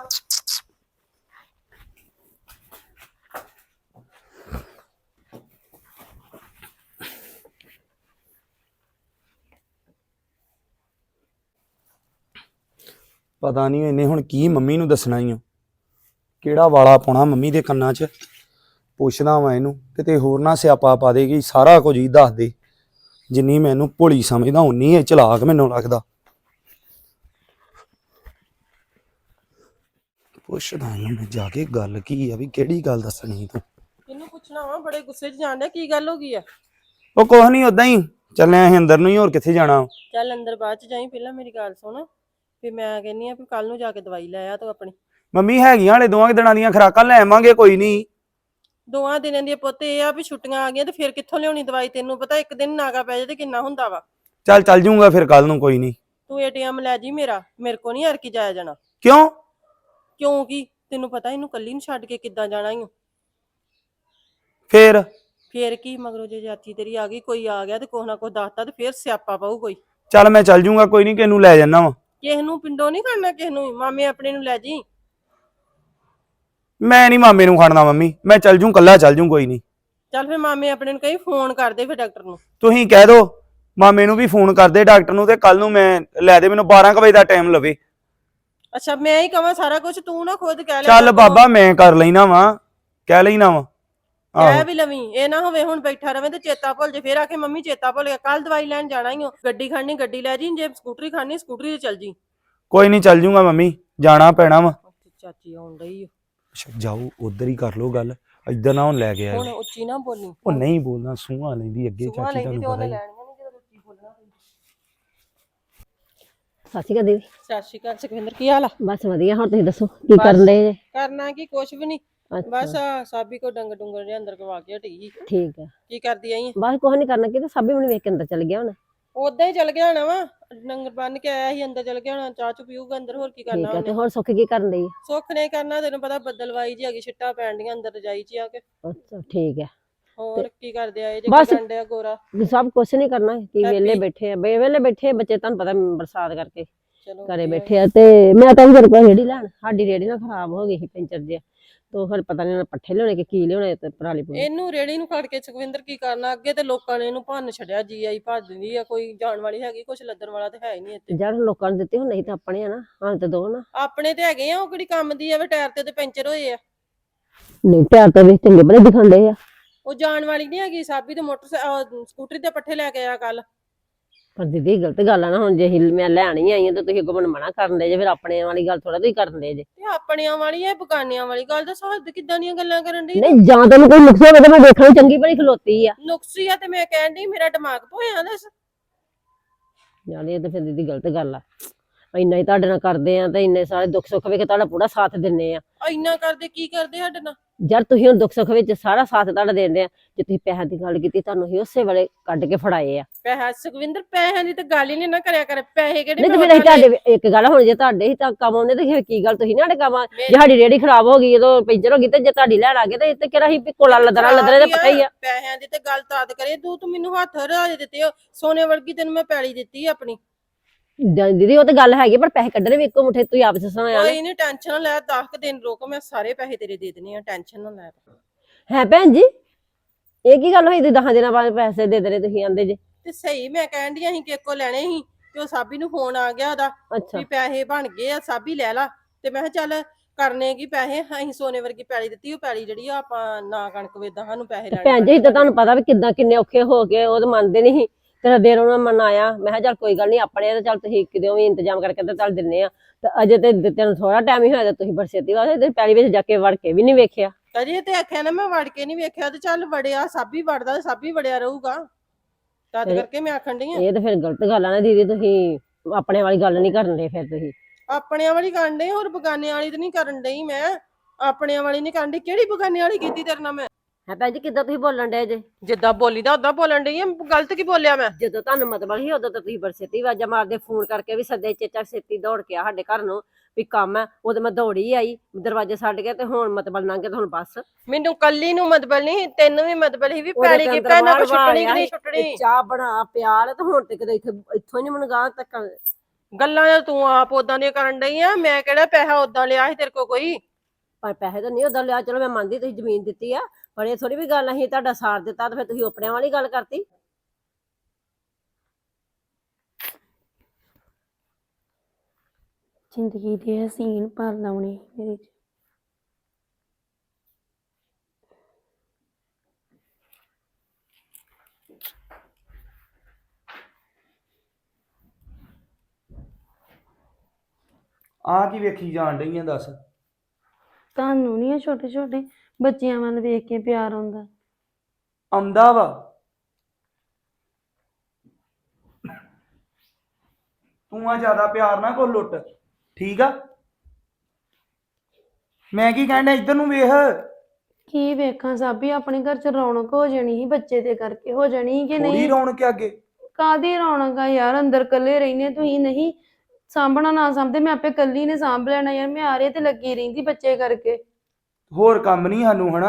Speaker 1: ਪਤਾ ਨਹੀਂ ਇਹਨੇ ਹੁਣ ਕੀ ਮੰਮੀ ਨੂੰ ਦੱਸਣਾ ਹੀ ਆ। ਕਿਹੜਾ ਵਾਲਾ ਪਾਉਣਾ ਮੰਮੀ ਦੇ ਕੰਨਾਂ 'ਚ। ਪੁੱਛਦਾ ਵਾਂ ਇਹਨੂੰ, ਕਿਤੇ ਹੋਰ ਨਾ ਸਿਆਪਾ ਪਾ ਦੇਗੀ। ਸਾਰਾ ਕੁਝ ਹੀ ਦੱਸ ਦੇ। ਜਿੰਨੀ ਮੈਨੂੰ ਭੋਲੀ ਸਮਝਦਾ ਉਨੀ ਇਹ ਚਲਾਕ ਮੈਨੂੰ ਲੱਗਦਾ। ਪੁੱਛਦਾ ਇਹਨੂੰ ਮੈਂ ਜਾ ਕੇ ਗੱਲ ਕੀ ਆ, ਵੀ ਕਿਹੜੀ ਗੱਲ ਦੱਸਣੀ ਤੂੰ।
Speaker 2: ਇਹਨੂੰ ਪੁੱਛ ਪੁੱਛਣਾ ਵਾ, ਬੜੇ ਗੁੱਸੇ 'ਚ ਜਾਣ ਡਿਆ, ਕੀ ਗੱਲ ਹੋ ਗਈ ਆ?
Speaker 1: ਉਹ ਕੁਛ ਨਹੀਂ, ਉਦਾਂ ਹੀ ਚੱਲੇ ਅਸੀਂ ਅੰਦਰ ਨੂੰ ਹੀ, ਹੋਰ ਕਿੱਥੇ ਜਾਣਾ।
Speaker 2: ਚੱਲ ਅੰਦਰ ਬਾਅਦ 'ਚ ਜਾਈ, ਪਹਿਲਾਂ ਮੇਰੀ ਗੱਲ ਸੁਣ। ਵੀ ਮੈਂ ਕਹਿੰਨੀ ਆ ਵੀ ਕੱਲ ਨੂੰ ਜਾ ਕੇ ਦਵਾਈ ਲੈ ਆ ਤੂੰ ਆਪਣੀ।
Speaker 1: ਮੰਮੀ ਹੈਗੀਆਂ ਹਲੇ ਦੋਵਾਂ ਕੁ ਦਿਨਾਂ ਦੀਆਂ ਖੁਰਾਕਾਂ, ਲੈ ਆਵਾਂਗੇ ਕੋਈ ਨਹੀਂ।
Speaker 2: ਦੋਵਾਂ ਦਿਨਾਂ ਦੀ ਪੁੱਤ, ਇਹ ਆ ਵੀ ਛੁੱਟੀਆਂ ਆ ਗਈਆਂ ਤੇ ਫਿਰ ਕਿੱਥੋਂ ਲਿਆਉਣੀ ਦਵਾਈ? ਤੈਨੂੰ ਪਤਾ ਇੱਕ ਦਿਨ ਨਾਗਾ ਪੈ ਜਾਏ ਤੇ ਕਿੰਨਾ ਹੁੰਦਾ ਵਾ।
Speaker 1: ਚੱਲ ਜੂੰਗਾ ਫਿਰ ਕੱਲ ਨੂੰ, ਕੋਈ ਨਹੀਂ।
Speaker 2: ਤੂੰ ਏਟੀਐਮ ਲੈ ਜੀ ਮੇਰਾ, ਮੇਰੇ ਕੋ ਨਹੀਂ ਹਰ ਕੀ ਜਾਇਆ ਜਾਣਾ।
Speaker 1: ਕਿਉਂ?
Speaker 2: ਕਿਉਂਕਿ ਤੈਨੂੰ ਪਤਾ ਇਹਨੂੰ ਕੱਲੀ ਨੂੰ ਛੱਡ ਕੇ ਕਿੱਦਾਂ ਜਾਣਾ ਈ ਓ।
Speaker 1: ਫੇਰ
Speaker 2: ਕੀ ਮਗਰੋਂ ਜੇ ਚਾਚੀ ਤੇਰੀ ਆ ਗਈ, ਕੋਈ ਆ ਗਿਆ ਤੇ ਕੁਛ ਨਾ ਕੁਛ ਦੱਸਤਾ ਤੇ ਫਿਰ ਸਿਆਪਾ ਪਊ ਕੋਈ।
Speaker 1: ਚੱਲ ਮੈਂ ਚੱਲ ਜੂੰਗਾ, ਕੋਈ ਨਹੀਂ, ਕਿਸ ਨੂੰ ਲੈ ਜਾਣਾ ਵਾ।
Speaker 2: ਕਿਸੇ ਨੂੰ ਪਿੰਡੋਂ ਨਹੀਂ ਖੜਨਾ, ਕਿਸੇ ਨੂੰ ਮਾਮੇ ਆਪਣੇ ਨੂੰ ਲੈ ਜੀ।
Speaker 1: ਮੈਂ ਨਹੀਂ ਮਾਮੇ ਨੂੰ ਖੜਨਾ ਮੰਮੀ, ਮੈਂ ਚੱਲ ਜੂ, ਕੱਲਾ ਚੱਲ ਜੂ, ਕੋਈ ਨਹੀਂ।
Speaker 2: ਚੱਲ ਫਿਰ ਮਾਮੇ ਆਪਣੇ ਨੂੰ ਕਹੀਂ ਫੋਨ ਕਰਦੇ ਫਿਰ ਡਾਕਟਰ ਨੂੰ।
Speaker 1: ਤੁਸੀਂ ਕਹਿ ਦੋ ਮਾਮੇ ਨੂੰ ਵੀ ਫੋਨ ਕਰਦੇ ਡਾਕਟਰ ਨੂੰ, ਤੇ ਕੱਲ ਨੂੰ ਮੈਂ ਲੈ ਦੇ, ਮੈਨੂੰ 12 ਵਜੇ ਦਾ ਟਾਈਮ ਲਵੇ।
Speaker 2: ਅੱਛਾ ਮੈਂ ਹੀ ਕਵਾਂ ਸਾਰਾ ਕੁਝ, ਤੂੰ ਨਾ ਖੁਦ ਕਹਿ ਲੈ।
Speaker 1: ਚੱਲ ਬਾਬਾ ਮੈਂ ਕਰ ਲੈਣਾ ਵਾ, ਕਹਿ ਲੈਣਾ ਵਾ।
Speaker 2: ਕਹਿ ਵੀ ਲਵੀਂ, ਇਹ ਨਾ ਹੋਵੇ ਹੁਣ ਬੈਠਾ ਰਵੇਂ ਤੇ ਚੇਤਾ ਭੁੱਲ ਜੇ, ਫਿਰ ਆਖੇ ਮੰਮੀ ਚੇਤਾ ਭੁੱਲ ਗਿਆ। ਕੱਲ ਦਵਾਈ ਲੈਣ ਜਾਣਾ ਹੀ ਹੋ, ਗੱਡੀ ਖੜਨੀ ਗੱਡੀ ਲੈ ਜੀ, ਜੇ ਸਕੂਟਰੀ ਖੜਨੀ ਸਕੂਟਰੀ ਤੇ ਚੱਲ ਜੀ।
Speaker 1: ਕੋਈ ਨਹੀਂ, ਚੱਲ ਜੂੰਗਾ ਮੰਮੀ, ਜਾਣਾ ਪੈਣਾ ਵਾ।
Speaker 2: ਚਾਚੀ ਆਉਣ ਡਈ ਓ।
Speaker 1: ਅੱਛਾ ਜਾਓ, ਉਧਰ ਹੀ ਕਰ ਲੋ ਗੱਲ, ਇੱਧਰ ਨਾ ਹੁਣ ਲੈ ਕੇ ਆਏ।
Speaker 2: ਹੁਣ ਉੱਚੀ ਨਾ ਬੋਲੀ।
Speaker 1: ਉਹ ਨਹੀਂ ਬੋਲਣਾ, ਸੂਹਾਂ ਲੈਂਦੀ ਅੱਗੇ
Speaker 2: ਸੁਭਾ
Speaker 1: ਚਾਚੀ,
Speaker 2: ਲੈਂਦੀ
Speaker 1: ਤੁਹਾਨੂੰ
Speaker 2: ਤੇ
Speaker 1: ਪਤਾ
Speaker 2: ਉਹਨੇ
Speaker 1: ਹੀ।
Speaker 2: ਲੈਣੀਆਂ ਨਹੀਂ ਜਦੋਂ ਉੱਚੀ ਬੋਲਣਾ।
Speaker 3: ਸਤਿ ਸ਼੍ਰੀ ਅਕਾਲ ਦੀਦੀ।
Speaker 2: ਸਤਿ ਸ਼੍ਰੀ ਅਕਾਲ ਸੁਖਵਿੰਦਰ, ਕੀ ਹਾਲ ਆ?
Speaker 3: ਬਸ ਵਧੀਆ, ਹੁਣ ਤੁਸੀਂ ਦੱਸੋ ਕੀ ਕਰਨ ਦੇ ਜੇ?
Speaker 2: ਕਰਨਾ ਕੀ, ਕੁਛ ਵੀ ਨਹੀਂ।
Speaker 3: ਅੱਛਾ।
Speaker 2: ਬਸ ਸਾਬੀ ਕੋ ਡੰਗਰ ਡੁੰਗਰ ਦੇ ਅੰਦਰ ਕਵਾ ਕੇ ਹਟੀ ਸੀ।
Speaker 3: ਠੀਕ ਆ।
Speaker 2: ਕੀ ਕਰਦੀ ਆਈ?
Speaker 3: ਬਸ ਕੁਛ ਨਹੀਂ ਕਰਨਾ, ਕਿ ਤੇ ਸਾਬੀ ਮੈਨੂੰ ਵੇਖ ਕੇ ਅੰਦਰ ਚਲ ਗਿਆ ਹੁਣ।
Speaker 2: ਉਦਾਂ ਹੀ ਚਲ ਗਿਆ ਹੋਣਾ ਵਾ, ਡੰਗਰ ਬੰਨ ਕੇ ਆਇਆ ਸੀ, ਅੰਦਰ ਚਲ ਗਿਆ ਹੋਣਾ, ਚਾਹ ਚੂ ਪੀਊਗਾ ਅੰਦਰ, ਹੋਰ ਕੀ ਕਰਨਾ
Speaker 3: ਠੀਕ ਆ। ਤੇ
Speaker 2: ਉਹਨੇ।
Speaker 3: ਹੋਰ ਸੁੱਖ ਕੀ ਕਰਨ ਡਈ?
Speaker 2: ਸੁੱਖ ਨੇ ਕਰਨਾ, ਤੈਨੂੰ ਪਤਾ ਬੱਦਲਵਾਈ ਜੀ ਹੈਗੀ, ਛਿੱਟਾਂ ਪੈਣ ਡੀਆਂ ਅੰਦਰ ਰਜਾਈ ਚ ਆ ਕੇ।
Speaker 3: ਅੱਛਾ ਠੀਕ ਆ।
Speaker 2: ਹੋਰ ਕੀ ਕਰਦੇ ਆਏ ਜੇ?
Speaker 3: ਬਸ।
Speaker 2: ਕੀ ਕਰਨ ਡਿਆ ਗੋਰਾ?
Speaker 3: ਸਭ ਕੁਛ ਨਹੀਂ ਕਰਨਾ, ਕੀ ਵਿਹਲੇ
Speaker 2: ਹੈਪੀ।
Speaker 3: ਬੈਠੇ ਆ, ਵਿਹਲੇ ਬੈਠੇ ਆ ਬੱਚੇ, ਤੁਹਾਨੂੰ ਪਤਾ ਬਰਸਾਤ ਕਰਕੇ
Speaker 2: ਚਲੋ
Speaker 3: ਘਰੇ
Speaker 2: ਵਧੀਆ।
Speaker 3: ਬੈਠੇ ਆ। ਤੇ ਮੈਂ ਤਾਂ ਮੇਰੇ ਕੋਲ ਰੇੜੀ ਲੈਣ, ਸਾਡੀ ਰੇੜੀ ਨਾ ਖਰਾਬ ਹੋ ਗਈ ਸੀ, ਪੈਂਚਰ ਜਿਹਾ, ਤੋ ਫਿਰ ਪਤਾ ਨਹੀਂ ਪੱਠੇ ਲਿਆਉਣੇ ਕਿ ਕੀ ਲਿਆਉਣੇ ਤੇ ਪਰਾਲੀ ਪੂਰੀ।
Speaker 2: ਇਹਨੂੰ ਰੇੜੀ ਨੂੰ ਖੜ ਕੇ ਸੁਖਵਿੰਦਰ ਕੀ ਕਰਨਾ? ਅੱਗੇ ਤੇ ਲੋਕਾਂ ਨੇ ਇਹਨੂੰ ਭੰਨ ਛੱਡਿਆ, ਜੀ ਆਈ ਭੱਜ ਦਿੰਦੀ ਆ, ਕੋਈ ਜਾਣ ਵਾਲੀ ਹੈਗੀ, ਕੁਛ ਲੱਦਣ ਵਾਲਾ ਤੇ ਹੈ ਹੀ ਨਹੀਂ ਇੱਥੇ।
Speaker 3: ਜਦ ਲੋਕਾਂ ਨੂੰ ਦਿੱਤੇ ਹੁਣ, ਨਹੀਂ ਤਾਂ ਆਪਣੇ ਆ ਨਾ, ਹਾਂ ਤੇ ਦੋ ਨਾ।
Speaker 2: ਆਪਣੇ ਤੇ ਹੈਗੇ ਆ, ਉਹ ਕਿਹੜੀ ਕੰਮ ਦੀ ਆ? ਵੇ ਟਾਇਰ ਤੇ ਪੈਂਚਰ ਹੋਏ ਆ।
Speaker 3: ਨਹੀਂ ਟਾਇਰ ਤਾਂ ਵੇਖ ਚੰਗੇ ਬੜੇ ਦਿਖਣ ਡਏ ਆ।
Speaker 2: ਉਹ ਜਾਣ ਵਾਲੀ ਨਹੀਂ ਹੈਗੀ। ਸਾਬੀ ਤੇ ਸਕੂਟਰੀ ਤੇ ਪੱਠੇ ਲੈ ਕੇ ਆਇਆ ਕੱਲ।
Speaker 3: ਪਰ ਦੀਦੀ ਗਲਤ ਗੱਲ ਆ ਨਾ, ਹੁਣ ਜੇ ਮੈਂ ਲੈਣ ਹੀ ਆਈ ਆ ਤੇ ਤੁਸੀਂ ਅੱਗੋਂ ਮੈਨੂੰ ਮਨਾ ਕਰਨ ਦੇ ਜੇ, ਫਿਰ ਆਪਣੇ ਵਾਲੀ ਗੱਲ ਥੋੜਾ ਤੁਸੀਂ ਕਰਨ ਦੇ ਜੇ।
Speaker 2: ਤੇ ਆਪਣਿਆਂ ਵਾਲੀ ਐ ਬਗਾਨਿਆਂ ਵਾਲੀ ਗੱਲ? ਦੱਸ ਹੱਦ ਕਿੱਦਾਂ ਦੀਆਂ ਗੱਲਾਂ ਕਰਨ ਡਈ?
Speaker 3: ਨਹੀਂ ਜਾਂ ਤੈਨੂੰ ਕੋਈ ਨੁਕਸ ਹੋਵੇ ਤਾਂ ਮੈਂ ਦੇਖਣ ਨੂੰ ਚੰਗੀ ਭਲੀ ਖਲੋਤੀ ਆ।
Speaker 2: ਨੁਕਸੀ ਆ ਤੇ ਮੈਂ ਕਹਿਣ ਡਈ ਮੇਰਾ ਦਿਮਾਗ ਭੋਇਆ। ਦੱਸ
Speaker 3: ਯਾਰ ਇਹ ਤਾਂ ਫਿਰ ਦੀਦੀ ਗਲਤ ਗੱਲ ਆ। ਇੰਨਾ ਹੀ ਤੁਹਾਡੇ ਨਾਲ ਕਰਦੇ ਆ ਤੇ ਇੰਨੇ ਸਾਰੇ ਦੁੱਖ ਸੁੱਖ ਵੇਖ ਤੁਹਾਡਾ ਪੂਰਾ ਸਾਥ ਦਿੰਨੇ ਆ।
Speaker 2: ਇੰਨਾ ਕਰਦੇ ਕੀ ਕਰਦੇ ਸਾਡੇ ਨਾਲ?
Speaker 3: ਯਾਰ ਤੁਸੀਂ ਹੁਣ ਦੁੱਖ ਸੁੱਖ ਵਿੱਚ ਸਾਰਾ ਸਾਥ ਤੁਹਾਡਾ ਦਿੰਦੇ ਆ। ਜੇ ਤੁਸੀਂ ਪੈਸਿਆਂ ਦੀ ਗੱਲ ਕੀਤੀ, ਤੁਹਾਨੂੰ ਹੀ ਉਸੇ ਵੇਲੇ ਕੱਢ ਕੇ ਫੜਾਏ ਆ।
Speaker 2: ਪੈਸਾ ਸੁਖਵਿੰਦਰ, ਪੈਸਿਆਂ ਦੀ ਤਾਂ ਗੱਲ ਹੀ ਨਹੀਂ ਨਾ ਕਰਿਆ ਕਰ। ਪੈਸੇ ਕਿਹੜੇ
Speaker 3: ਨਹੀਂ ਤੇ
Speaker 2: ਮੈਂ
Speaker 3: ਫਿਰ ਅਸੀਂ
Speaker 2: ਉਹਨਾਂ ਦੇ-
Speaker 3: ਤੁਹਾਡੇ ਇੱਕ ਗੱਲ ਹੁਣ ਜੇ ਤੁਹਾਡੇ ਹੀ ਤਾਂ ਕੰਮ ਆਉਂਦੇ ਤੇ ਫਿਰ ਕੀ ਗੱਲ, ਤੁਸੀਂ ਨਾ ਸਾਡੇ ਕੰਮ ਜੇ ਸਾਡੀ ਰੇੜੀ ਖਰਾਬ ਹੋ ਗਈ, ਜਦੋਂ ਪੈਂਚਰ ਹੋ ਗਈ ਤੇ ਜੇ ਤੁਹਾਡੀ ਲੈਣ ਆ ਗਏ ਤੇ ਇੱਥੇ ਕਿਹੜਾ ਹੀ ਕੋਲਾ ਲੱਦਣਾ ਲੱਦਣੇ ਤੇ ਪਤਾ ਹੀ ਆ।
Speaker 2: ਪੈਸਿਆਂ ਦੀ ਤੇ ਗੱਲ ਤਾਦ ਕਰੇ, ਤੂੰ ਮੈਨੂੰ ਹੱਥ ਰਾਜ ਦਿੱਤੇ ਹੋ, ਸੋਨੇ ਵਰਗੀ ਤੈਨੂੰ ਮੈਂ ਪੈਲੀ ਦਿੱਤੀ ਆਪਣੀ।
Speaker 3: ਦੀਦੀ ਉਹ ਤਾਂ ਗੱਲ ਹੈਗੀ, ਪਰ ਪੈਸੇ ਕੱਢਣੇ ਵੀ ਇੱਕੋ ਮੁੱਠੇ ਤੁਸੀਂ ਆਪ ਸੁਣਾਇਆ
Speaker 2: ਕੋਈ ਨਹੀਂ, ਟੈਨਸ਼ਨ ਨਾ ਲੈ, 10 ਦਿਨ ਰੁਕ, ਮੈਂ ਸਾਰੇ ਪੈਸੇ ਤੇਰੇ ਦੇ ਦੇਣੇ ਆ, ਟੈਨਸ਼ਨ ਨਾ ਲੈ।
Speaker 3: ਹੈ ਭੈਣ ਜੀ, ਇਹ ਕੀ ਗੱਲ ਹੋਈ? ਤੁਸੀਂ 10 ਦਿਨਾਂ ਬਾਅਦ ਪੈਸੇ ਦੇ ਦੇਣੇ ਤੁਸੀਂ ਆਂਦੇ ਜੇ।
Speaker 2: ਤੇ ਸਹੀ ਮੈਂ ਕਹਿਣ ਡਈ ਅਸੀਂ ਕਿਹਕੋ ਲੈਣੇ ਸੀ, ਤੇ ਉਹ ਸਾਬੀ ਨੂੰ ਫੋਨ ਆ ਗਿਆ ਉਹਦਾ
Speaker 3: ਅੱਛਾ
Speaker 2: ਵੀ ਪੈਸੇ ਬਣ ਗਏ ਆ, ਸਾਬੀ ਲੈ ਲਾ। ਤੇ ਮੈਂ ਕਿਹਾ ਚੱਲ ਕਰਨੇ ਕੀ ਪੈਸੇ, ਅਸੀਂ ਸੋਨੇ ਵਰਗੀ ਪੈਲੀ ਦਿੱਤੀ, ਉਹ ਪੈਲੀ ਜਿਹੜੀ ਆ ਆਪਾਂ ਨਾ ਕਣਕ ਵੇਚਦਾ, ਸਾਨੂੰ ਪੈਸੇ ਲੈਣੇ।
Speaker 3: ਭੈਣ ਜੀ ਤਾਂ ਤੁਹਾਨੂੰ ਪਤਾ ਵੀ ਕਿੱਦਾਂ ਕਿੰਨੇ ਔਖੇ ਹੋ ਗਏ, ਉਹ ਤਾਂ ਮੰਨਦੇ ਨਹੀਂ ਸੀ। ਤੇਰਾ ਦੇਰ ਉਹਨਾਂ ਮਨਾਇਆ, ਮੈਂ ਕਿਹਾ ਚੱਲ ਕੋਈ ਗੱਲ ਨਹੀਂ, ਆਪਣੇ ਤੇ ਚੱਲ ਤੁਸੀਂ ਕਿਤੇ ਵੀ ਇੰਤਜ਼ਾਮ ਕਰਕੇ ਤੇ ਚੱਲ ਦਿੰਨੇ ਆ। ਤੇ ਅਜੇ ਤੇ ਤੈਨੂੰ ਥੋੜਾ ਟਾਈਮ ਹੀ ਹੋਇਆ ਤੇ ਤੁਸੀਂ ਬਰਸੇਤੀ ਵਾਸਤੇ ਪੈਲੀ ਵਿੱਚ ਜਾ ਕੇ ਵੜ ਕੇ ਵੀ ਨਹੀਂ ਵੇਖਿਆ।
Speaker 2: ਅਜੇ ਤੇ ਆਖਿਆ ਨਾ ਮੈਂ ਵੜ ਕੇ ਨਹੀਂ ਵੇਖਿਆ, ਤੇ ਚੱਲ ਵੜਿਆ, ਸਾਬੀ ਵੜਦਾ ਸਾਬੀ ਵੜਿਆ ਰਹੂਗਾ, ਤਦ ਕਰਕੇ ਮੈਂ ਆਖਣ ਡਈ ਆ।
Speaker 3: ਇਹ ਤਾਂ ਫਿਰ ਗਲਤ ਗੱਲ ਆ ਨਾ ਦੀਦੀ, ਤੁਸੀਂ ਆਪਣੇ ਵਾਲੀ ਗੱਲ ਨਹੀਂ ਕਰਨ ਦੇ। ਫਿਰ ਤੁਸੀਂ
Speaker 2: ਆਪਣਿਆਂ ਵਾਲੀ ਕਰਨ ਡਈ, ਹੋਰ ਬਗਾਨਿਆਂ ਵਾਲੀ ਤੇ ਨਹੀਂ ਕਰਨ ਡਈ। ਮੈਂ ਆਪਣਿਆਂ ਵਾਲੀ ਨਹੀਂ ਕਰਨ ਡਈ। ਕਿਹੜੀ ਬਗਾਨਿਆਂ ਵਾਲੀ ਕੀਤੀ ਤੇਰੇ ਨਾਲ ਮੈਂ?
Speaker 3: ਹੈ ਭੈਣ ਜੀ, ਕਿੱਦਾਂ ਤੁਸੀਂ ਬੋਲਣ ਡਏ ਜੇ?
Speaker 2: ਜਿੱਦਾਂ ਬੋਲੀ ਦਾ ਉਦਾਂ ਬੋਲਣ ਡਈ ਆ। ਗਲਤ ਕੀ ਬੋਲਿਆ ਮੈਂ?
Speaker 3: ਜਦੋਂ ਤੁਹਾਨੂੰ ਮਤਲਬ ਸੀ ਉਦੋਂ ਤਾਂ ਤੁਸੀਂ ਬਰਸੇਤੀ ਵਾਜਾ ਮਾਰਦੇ, ਫੋਨ ਕਰਕੇ ਵੀ ਸੱਦੇ, ਚੇਚਾ ਛੇਤੀ ਦੌੜ ਕੇ ਆ ਸਾਡੇ ਘਰ ਨੂੰ ਵੀ ਕੰਮ ਹੈ। ਉਦੋਂ ਮੈਂ ਦੌੜੀ ਆਈ, ਦਰਵਾਜ਼ੇ ਛੱਡ ਕੇ, ਤੇ ਹੁਣ ਮਤਲਬ ਲੰਘ ਕੇ, ਤੇ ਹੁਣ ਬਸ
Speaker 2: ਮੈਨੂੰ ਕੱਲੀ ਨੂੰ ਮਤਬਲ ਨਹੀਂ, ਤੈਨੂੰ ਵੀ ਮਤਬਲ ਹੀ ਵੀ ਪੈਲੀ ਕੀ ਪੈਣਾ ਕੋ ਛੁੱਟਣੀ ਕਿ ਨਹੀਂ ਛੁੱਟਣੀ।
Speaker 3: ਚਾਹ ਬਣਾ ਪਿਆਲ, ਤੇ ਹੁਣ ਤੇ ਕਿਤੇ ਇੱਥੋਂ ਨਹੀਂ ਮੈਨੂੰ ਗਾਂ ਤੱਕ।
Speaker 2: ਗੱਲਾਂ ਤੂੰ ਆਪ ਉਦਾਂ ਦੀਆਂ ਕਰਨ ਡਈ ਆ। ਮੈਂ ਕਿਹੜਾ ਪੈਸਾ ਉਦਾਂ ਲਿਆ ਸੀ ਤੇਰੇ ਕੋ ਕੋਈ?
Speaker 3: ਪਰ ਪੈਸੇ ਤਾਂ ਨਹੀਂ ਉਦਾਂ ਲਿਆ, ਚਲੋ ਮੈਂ ਮੰਨਦੀ ਤੁਸੀਂ ਜ਼ਮੀਨ ਦਿੱਤੀ ਆ, ਪਰ ਇਹ ਥੋੜੀ ਵੀ ਗੱਲ ਅਸੀਂ ਤੁਹਾਡਾ ਸਾਥ ਦਿੱਤਾ ਤੇ ਫਿਰ ਤੁਸੀਂ ਆਪਣਿਆਂ ਵਾਲੀ ਗੱਲ ਕਰਤੀ।
Speaker 6: ਜ਼ਿੰਦਗੀ ਦੇ ਹਸੀਨ ਪਲ ਲਾਉਣੇ ਮੇਰੇ 'ਚ।
Speaker 1: ਆ ਕੀ ਵੇਖੀ ਜਾਣ ਡਈ ਆ ਦੱਸ?
Speaker 6: ਤੁਹਾਨੂੰ ਨਹੀਂ ਆ ਛੋਟੇ ਛੋਟੇ ਬੱਚਿਆਂ ਵੱਲ ਵੇਖ ਕੇ ਪਿਆਰ ਆਉਂਦਾ?
Speaker 1: ਆਉਂਦਾ ਵਾ। ਤੂੰ ਆ ਜ਼ਿਆਦਾ ਪਿਆਰ ਨਾ ਕੋ ਲੁੱਟ, ਠੀਕ ਆ। ਮੈਂ ਕੀ ਕਹਿਣਾ, ਇੱਧਰ ਨੂੰ ਵੇਖ।
Speaker 6: ਕੀ ਵੇਖਾਂ ਸਾਬੀ, ਆਪਣੇ ਘਰ ਚ ਰੌਣਕ ਹੋ ਜਾਣੀ ਸੀ ਬੱਚੇ ਦੇ ਕਰਕੇ, ਹੋ ਜਾਣੀ ਸੀ ਕਿ
Speaker 1: ਥੋੜੀ
Speaker 6: ਨਹੀਂ?
Speaker 1: ਰੌਣਕ ਆ ਅੱਗੇ।
Speaker 6: ਕਾਦੀ ਰੌਣਕ ਆ ਯਾਰ, ਅੰਦਰ ਇਕੱਲੇ ਰਹਿੰਦੇ ਤੁਸੀਂ, ਨਹੀਂ ਸਾਂਭਣਾ ਨਾ ਸਾਂਭਦੇ, ਮੈਂ ਆਪੇ ਇਕੱਲੀ ਨੇ ਸਾਂਭ ਲੈਣਾ ਯਾਰ। ਮੈਂ ਆਰੇ ਤੇ ਲੱਗੀ ਰਹਿੰਦੀ ਬੱਚੇ ਕਰਕੇ।
Speaker 1: ਹੋਰ ਕੰਮ ਨਹੀਂ ਸਾਨੂੰ ਹਨਾ?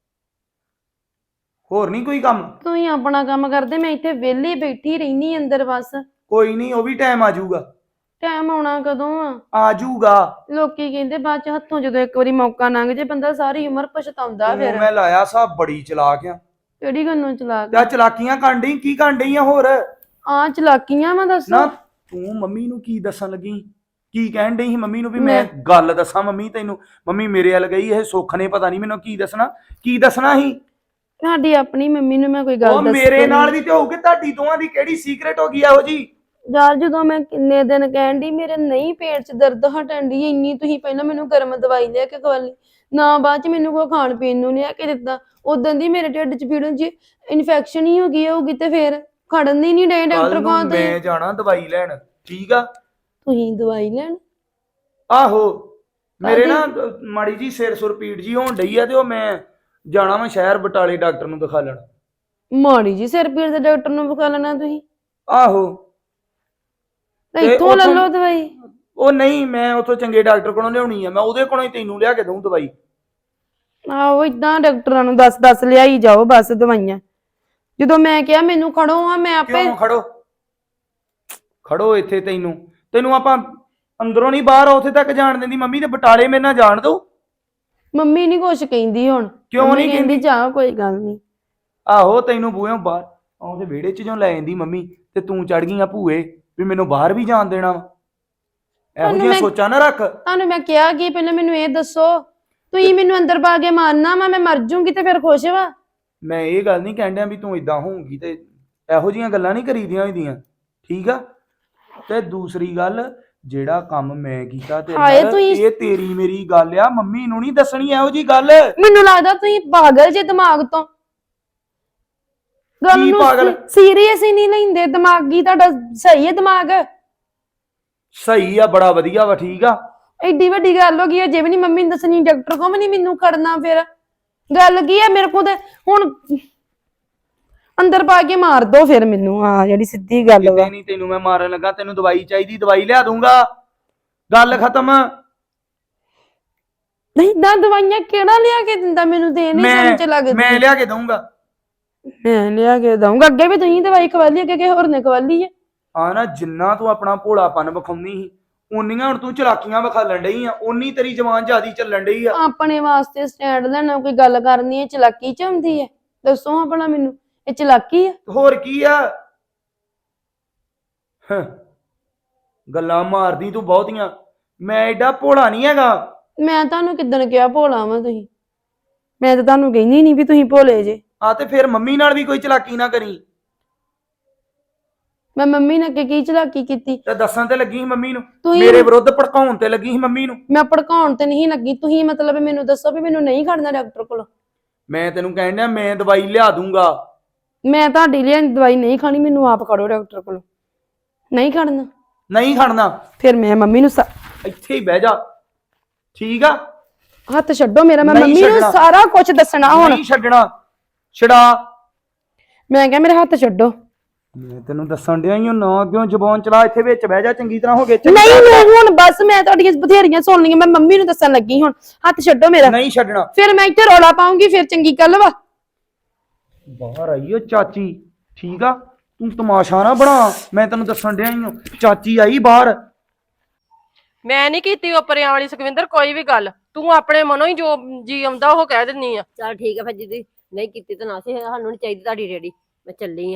Speaker 1: ਹੋਰ ਨਹੀਂ ਕੋਈ ਕੰਮ?
Speaker 6: ਤੁਸੀਂ ਆਪਣਾ ਕੰਮ ਕਰਦੇ, ਮੈਂ ਇੱਥੇ ਵਿਹਲੀ ਬੈਠੀ ਰਹਿਨੀ ਅੰਦਰ ਬਸ।
Speaker 1: ਕੋਈ ਨਹੀਂ, ਉਹ ਵੀ ਟਾਈਮ ਆ ਜਾਊਗਾ।
Speaker 6: ਟਾਈਮ ਆਉਣਾ ਕਦੋਂ ਆ?
Speaker 1: ਆ ਜਾਊਗਾ।
Speaker 6: ਲੋਕੀ ਕਹਿੰਦੇ ਬਾਅਦ ਚ ਹੱਥੋਂ ਜਦੋਂ ਇੱਕ ਵਾਰੀ ਮੌਕਾ ਲੰਘ ਜੇ ਬੰਦਾ ਸਾਰੀ ਉਮਰ ਪਛਤਾਉਂਦਾ ਫਿਰ।
Speaker 1: ਮੈਂ ਲਾਇਆ ਸਾਬ ਬੜੀ ਚਲਾਕ ਆ।
Speaker 6: ਕਿਹੜੀ ਗੱਲੋਂ ਚਲਾ
Speaker 1: ਤੇ ਚਲਾਕੀਆਂ ਕਰਨ ਡਈ, ਕੀ ਕਰਨ ਡਈ ਆ ਹੋਰ?
Speaker 6: ਆ ਚਲਾਕੀਆਂ ਵਾ ਦੱਸੋ।
Speaker 1: ਨਾ ਤੂੰ ਮੰਮੀ ਨੂੰ ਕੀ ਦੱਸਣ ਲੱਗੀ? ਕੀ ਕਹਿਣ ਡਈ ਸੀ ਮੰਮੀ ਨੂੰ ਵੀ ਮੈਂ ਗੱਲ ਦੱਸਾਂ ਮੰਮੀ ਤੈਨੂੰ? ਮੰਮੀ ਮੇਰੇ ਵੱਲ ਗਈ, ਇਹ ਸੁੱਖ ਨੇ ਪਤਾ ਨਹੀਂ ਮੈਨੂੰ ਕੀ ਦੱਸਣਾ। ਕੀ ਦੱਸਣਾ ਸੀ?
Speaker 6: ਸਾਡੀ ਆਪਣੀ ਮੰਮੀ ਨੂੰ ਮੈਂ ਕੋਈ ਗੱਲ
Speaker 1: ਉਹ ਮੇਰੇ ਨਾਲ ਵੀ ਤੇ ਹੋਊਗੀ, ਤੁਹਾਡੀ ਦੋਵਾਂ ਦੀ ਕਿਹੜੀ ਸੀਕ੍ਰੇਟ ਹੋ ਗਈ ਇਹੋ ਜੀ?
Speaker 6: ਯਾਰ ਜਦੋਂ ਮੈਂ ਕਿੰਨੇ ਦਿਨ ਕਹਿਣ ਡਈ ਮੇਰੇ ਨਹੀਂ ਪੇਟ 'ਚ ਦਰਦ ਹਟਣ ਡਈ ਇੰਨੀ, ਤੁਸੀਂ ਪਹਿਲਾਂ ਮੈਨੂੰ ਗਰਮ ਦਵਾਈ ਲਿਆ ਕੇ ਖਵਾਲੀ, ਨਾ ਬਾਅਦ 'ਚ ਮੈਨੂੰ ਕੋਈ ਖਾਣ ਪੀਣ ਨੂੰ ਲਿਆ ਕੇ ਦਿੱਤਾ। ਉਦੋਂ ਦੀ ਮੇਰੇ ਢਿੱਡ 'ਚ ਪੀੜ ਜੀ ਇਨਫੈਕਸ਼ਨ ਹੀ ਹੋ ਗਈ ਹੋਊਗੀ, ਤੇ ਫਿਰ ਖੜਨ ਦੀ ਨਹੀਂ ਡੇ ਡਾਕਟਰ ਕੋਲ।
Speaker 1: ਮੈਂ ਜਾਣਾ ਦਵਾਈ ਲੈਣ, ਠੀਕ ਆ?
Speaker 6: ਤੁਸੀਂ ਦਵਾਈ ਲੈਣ?
Speaker 1: ਆਹੋ, ਮੇਰੇ ਨਾ ਮਾੜੀ ਜੀ ਸਿਰ ਸੁਰ ਪੀੜ ਜੀ ਹੋਣ ਡਈ ਆ, ਤੇ ਉਹ ਮੈਂ ਜਾਣਾ ਵਾ ਸ਼ਹਿਰ ਬਟਾਲੇ ਡਾਕਟਰ ਨੂੰ ਦਿਖਾ ਲੈਣਾ।
Speaker 6: ਮਾੜੀ ਜੀ ਸਿਰ ਪੀੜ ਦੇ ਡਾਕਟਰ ਨੂੰ ਵਿਖਾ ਲੈਣਾ ਤੁਸੀਂ?
Speaker 1: ਆਹੋ,
Speaker 6: ਇੱਥੋਂ ਲੈ ਲਓ ਦਵਾਈ।
Speaker 1: ਉਹ ਨਹੀਂ, ਮੈਂ ਉੱਥੋਂ ਚੰਗੇ ਡਾਕਟਰ ਕੋਲੋਂ ਲਿਆਉਣੀ ਆ, ਮੈਂ ਉਹਦੇ ਕੋਲੋਂ ਹੀ ਤੈਨੂੰ ਲਿਆ ਕੇ ਦਊਂ ਦਵਾਈ।
Speaker 6: ਆਹੋ, ਇਦਾਂ ਡਾਕਟਰਾਂ ਨੂੰ ਦੱਸ ਲਿਆਈ ਜਾਓ ਬਸ ਦਵਾਈਆਂ। ਜਦੋਂ ਮੈਂ ਕਿਹਾ ਮੈਨੂੰ ਖੜੋ ਆ, ਮੈਂ ਆਪੇ।
Speaker 1: ਕਿਉਂ ਖੜੋ? ਖੜੋ ਇੱਥੇ, ਤੈਨੂੰ ਆਪਾਂ ਅੰਦਰੋਂ ਨਹੀਂ ਬਾਹਰ ਉੱਥੇ ਤੱਕ ਜਾਣ ਦਿੰਦੀ ਮੰਮੀ, ਤੇ ਬਟਾਲੇ ਮੇਰੇ ਨਾਲ ਜਾਣ ਦੋ।
Speaker 6: ਮੰਮੀ ਨਹੀਂ ਕੁਛ ਕਹਿੰਦੀ ਹੁਣ।
Speaker 1: ਕਿਉਂ ਨਹੀਂ
Speaker 6: ਕਹਿੰਦੀ? ਜਾ ਕੋਈ ਗੱਲ ਨਹੀਂ।
Speaker 1: ਆਹੋ, ਤੈਨੂੰ ਬੂਹੇ ਬਾਹਰ ਉਹਦੇ ਵਿਹੜੇ 'ਚ ਜੋ ਲੈ ਜਾਂਦੀ ਮੰਮੀ, ਤੇ ਤੂੰ ਚੜ ਗਈ ਆ ਭੂਏ ਵੀ ਮੈਨੂੰ ਬਾਹਰ ਵੀ ਜਾਣ ਦੇਣਾ ਵਾ। ਇਹੋ ਜਿਹੀਆਂ ਸੋਚਾਂ ਨਾ ਰੱਖ।
Speaker 6: ਤੁਹਾਨੂੰ ਮੈਂ ਕਿਹਾ ਕਿ ਪਹਿਲਾਂ ਮੈਨੂੰ ਇਹ ਦੱਸੋ, ਤੁਸੀਂ ਮੈਨੂੰ ਅੰਦਰ ਪਾ ਕੇ ਮਾਰਨਾ ਵਾ, ਮੈਂ ਮਰ ਜੂੰਗੀ ਤੇ ਫਿਰ ਖੁਸ਼ ਵਾ?
Speaker 1: ਮੈਂ ਇਹ ਗੱਲ ਨਹੀਂ ਕਹਿਣ ਡਿਆ ਵੀ ਤੂੰ ਇਦਾਂ ਹੋਊਗੀ, ਤੇ ਇਹੋ ਜਿਹੀਆਂ ਗੱਲਾਂ ਨਹੀਂ ਕਰੀਦੀਆਂ ਹੁੰਦੀਆਂ, ਠੀਕ ਆ? ਤੇ ਦੂਸਰੀ ਗੱਲ, ਜਿਹੜਾ ਕੰਮ ਮੈਂ ਕੀਤਾ ਤੇ ਇਹ ਤੇਰੀ ਮੇਰੀ ਗੱਲ ਆ, ਮੰਮੀ ਨੂੰ ਨਹੀਂ ਦੱਸਣੀ ਇਹੋ ਜੀ ਗੱਲ।
Speaker 6: ਮੈਨੂੰ ਲੱਗਦਾ ਤੁਸੀਂ ਪਾਗਲ ਜੇ ਦਿਮਾਗ ਤੋਂ। ਗੱਲ ਨੂੰ ਸੀਰੀਅਸ ਹੀ ਨਹੀਂ ਲੈਂਦੇ, ਦਿਮਾਗੀ ਤੁਹਾਡਾ ਸਹੀ ਹੈ ਦਿਮਾਗ?
Speaker 1: ਸਹੀ ਆ, ਬੜਾ ਵਧੀਆ ਵਾ, ਠੀਕ ਆ?
Speaker 6: ਐਡੀ ਵੱਡੀ ਗੱਲ ਹੋ ਗਈ ਅਜੇ ਵੀ ਨਹੀਂ ਮੰਮੀ ਨੂੰ ਦੱਸਣੀ, ਡਾਕਟਰ ਕੋਲ ਵੀ ਨਹੀਂ ਮੈਨੂੰ ਖੜਨਾ, ਫਿਰ ਗੱਲ ਕੀ ਹੈ? ਮੇਰੇ ਕੋਲ ਤੇ ਹੁਣ ਅੰਦਰ ਪਾ ਕੇ ਮਾਰ ਦੋ ਫਿਰ ਮੈਨੂੰ, ਆ ਜਿਹੜੀ ਸਿੱਧੀ ਗੱਲ ਵਾ।
Speaker 1: ਨਹੀਂ, ਤੈਨੂੰ ਮੈਂ ਮਾਰਨ ਲੱਗਾ, ਤੈਨੂੰ ਦਵਾਈ ਚਾਹੀਦੀ, ਦਵਾਈ ਲਿਆ ਦੂੰਗਾ, ਗੱਲ ਖਤਮ।
Speaker 6: ਨਹੀਂ ਨਾ, ਦਵਾਈਆਂ ਕਿਹੜਾ ਲਿਆ ਕੇ ਦਿੰਦਾ ਮੈਨੂੰ? ਦੇ ਨਹੀਂ ਸਮਝ ਲੱਗਦੀ।
Speaker 1: ਮੈਂ ਲਿਆ ਕੇ ਦਊਂਗਾ।
Speaker 6: ਮੈਂ ਲਿਆ ਕੇ ਦਊਂਗਾ? ਅੱਗੇ ਵੀ ਤੁਸੀਂ ਦਵਾਈ ਖਵਾਲੀ, ਅੱਗੇ ਕਿਸੇ ਹੋਰ ਨੇ ਖਵਾਲੀ ਹੈ?
Speaker 1: ਆ ਨਾ, ਜਿੰਨਾ ਤੂੰ ਆਪਣਾ ਭੋਲਾਪਨ ਵਿਖਾਉਂਦੀ ਸੀ, ਉਨੀਆਂ ਹੁਣ ਤੂੰ ਚਲਾਕੀਆਂ ਵਿਖਾਲਣ ਡਈ ਆ, ਉਨੀ ਤੇਰੀ ਜ਼ਬਾਨ ਜ਼ਿਆਦੀ ਚੱਲਣ ਡਈ ਆ।
Speaker 6: ਆਪਣੇ ਵਾਸਤੇ ਸਟੈਂਡ ਲੈਣਾ, ਕੋਈ ਗੱਲ ਕਰਨੀ ਹੈ ਚਲਾਕੀ ਚ ਆਉਂਦੀ ਹੈ? ਦੱਸੋ ਆਪਣਾ ਮੈਨੂੰ, ਇਹ ਚਲਾਕੀ ਹੈ?
Speaker 1: ਹੋਰ ਕੀ ਆ? ਗੱਲਾਂ ਮਾਰਦੀ ਤੂੰ ਬਹੁਤੀਆਂ, ਮੈਂ ਐਡਾ ਭੋਲਾ ਨਹੀਂ ਹੈਗਾ।
Speaker 6: ਮੈਂ ਤੁਹਾਨੂੰ ਕਿੱਦਣ ਕਿਹਾ ਭੋਲਾ ਵਾਂ ਤੁਸੀਂ? ਮੈਂ ਤਾਂ ਤੁਹਾਨੂੰ ਕਹਿੰਦੀ ਨਹੀਂ ਵੀ ਤੁਸੀਂ ਭੋਲੇ ਜੇ।
Speaker 1: ਆ ਤੇ ਫਿਰ ਮੰਮੀ ਨਾਲ ਵੀ ਕੋਈ ਚਲਾਕੀ ਨਾ ਕਰੀ।
Speaker 6: ਮੈਂ ਮੰਮੀ ਨੇ ਅੱਗੇ ਕੀ ਚਲਾਕੀ ਕੀਤੀ?
Speaker 1: ਤੇ ਦੱਸਣ ਤੇ ਲੱਗੀ ਸੀ ਮੰਮੀ ਨੂੰ, ਮੇਰੇ ਵਿਰੁੱਧ ਭੜਕਾਉਣ ਤੇ ਲੱਗੀ ਸੀ ਮੰਮੀ ਨੂੰ।
Speaker 6: ਮੈਂ ਭੜਕਾਉਣ ਤੇ ਨਹੀਂ ਲੱਗੀ, ਤੁਸੀਂ ਮਤਲਬ ਮੈਨੂੰ ਦੱਸੋ ਵੀ ਮੈਨੂੰ ਨਹੀਂ ਖੜਨਾ ਡਾਕਟਰ ਕੋਲ?
Speaker 1: ਮੈਂ ਤੈਨੂੰ ਕਹਿਣ ਡਿਆ, ਮੈਂ ਦਵਾਈ ਲਿਆ ਦੂੰਗਾ।
Speaker 6: ਮੈਂ ਤੁਹਾਡੀ ਲਈ ਦਵਾਈ ਨਹੀਂ ਖਾਣੀ, ਮੈਨੂੰ ਆਪ ਖੜੋ ਡਾਕਟਰ ਕੋਲ। ਨਹੀਂ ਖੜਨਾ?
Speaker 1: ਨਹੀਂ ਖੜਨਾ।
Speaker 6: ਫਿਰ ਮੈਂ ਮੰਮੀ ਨੂੰ
Speaker 1: ਇੱਥੇ ਹੀ ਬਹਿ ਜਾ, ਠੀਕ ਆ?
Speaker 6: ਹੱਥ ਛੱਡੋ ਮੇਰਾ, ਮੈਂ ਮੰਮੀ ਨੂੰ ਸਾਰਾ ਕੁਝ ਦੱਸਣਾ ਹੁਣ।
Speaker 1: ਨਹੀਂ ਛੱਡਣਾ, ਛਡਾ।
Speaker 6: ਮੈਂ ਕਿਹਾ ਮੇਰਾ ਹੱਥ ਛੱਡੋ।
Speaker 1: ਮੈਂ ਤੈਨੂੰ ਦੱਸਣ ਡਿਆ ਹੀ, ਨਾ ਕਿਉਂ ਜ਼ਬਾਨ ਚਲਾ, ਇੱਥੇ ਵਿੱਚ ਬਹਿ ਜਾ, ਚੰਗੀ ਤਰ੍ਹਾਂ ਹੋ ਗਏ।
Speaker 6: ਨਹੀਂ ਹੁਣ ਬਸ, ਮੈਂ ਤੁਹਾਡੀਆਂ ਬਥੇਰੀਆਂ ਸੁਣ ਲਈਆਂ, ਮੈਂ ਮੰਮੀ ਨੂੰ ਦੱਸਣ ਲੱਗੀ, ਹੁਣ ਹੱਥ ਛੱਡੋ ਮੇਰਾ।
Speaker 1: ਨਹੀਂ ਛੱਡਣਾ।
Speaker 6: ਫਿਰ ਮੈਂ ਇੱਥੇ ਰੌਲਾ ਪਾਉਂਗੀ, ਫਿਰ ਚੰਗੀ ਗੱਲ ਵਾ।
Speaker 1: ਬਾਹਰ ਆਈ ਓ ਚਾਚੀ, ਠੀਕ ਆ? ਤੂੰ ਤਮਾਸ਼ਾ ਨਾ ਬਣਾ, ਮੈਂ ਤੈਨੂੰ ਦੱਸਣ ਡਿਆ ਹੀ, ਚਾਚੀ ਆਈ ਬਾਹਰ।
Speaker 2: ਮੈਂ ਨਹੀਂ ਕੀਤੀ ਉਪਰਿਆਂ ਵਾਲੀ ਸੁਖਵਿੰਦਰ ਕੋਈ ਵੀ ਗੱਲ, ਤੂੰ ਆਪਣੇ ਮਨੋਂ ਹੀ ਜੋ ਜੀ ਆਉਂਦਾ ਉਹ ਕਹਿ ਦਿੰਨੀ ਆ।
Speaker 3: ਚੱਲ ਠੀਕ ਹੈ ਫਿਰ, ਜਿੱਦੀ ਨਹੀਂ ਕੀਤੀ ਤਾਂ ਨਾ ਸੀ, ਸਾਨੂੰ ਨਹੀਂ ਚਾਹੀਦੀ ਤੁਹਾਡੀ ਰੇੜੀ, ਮੈਂ ਚੱਲੀ ਆ।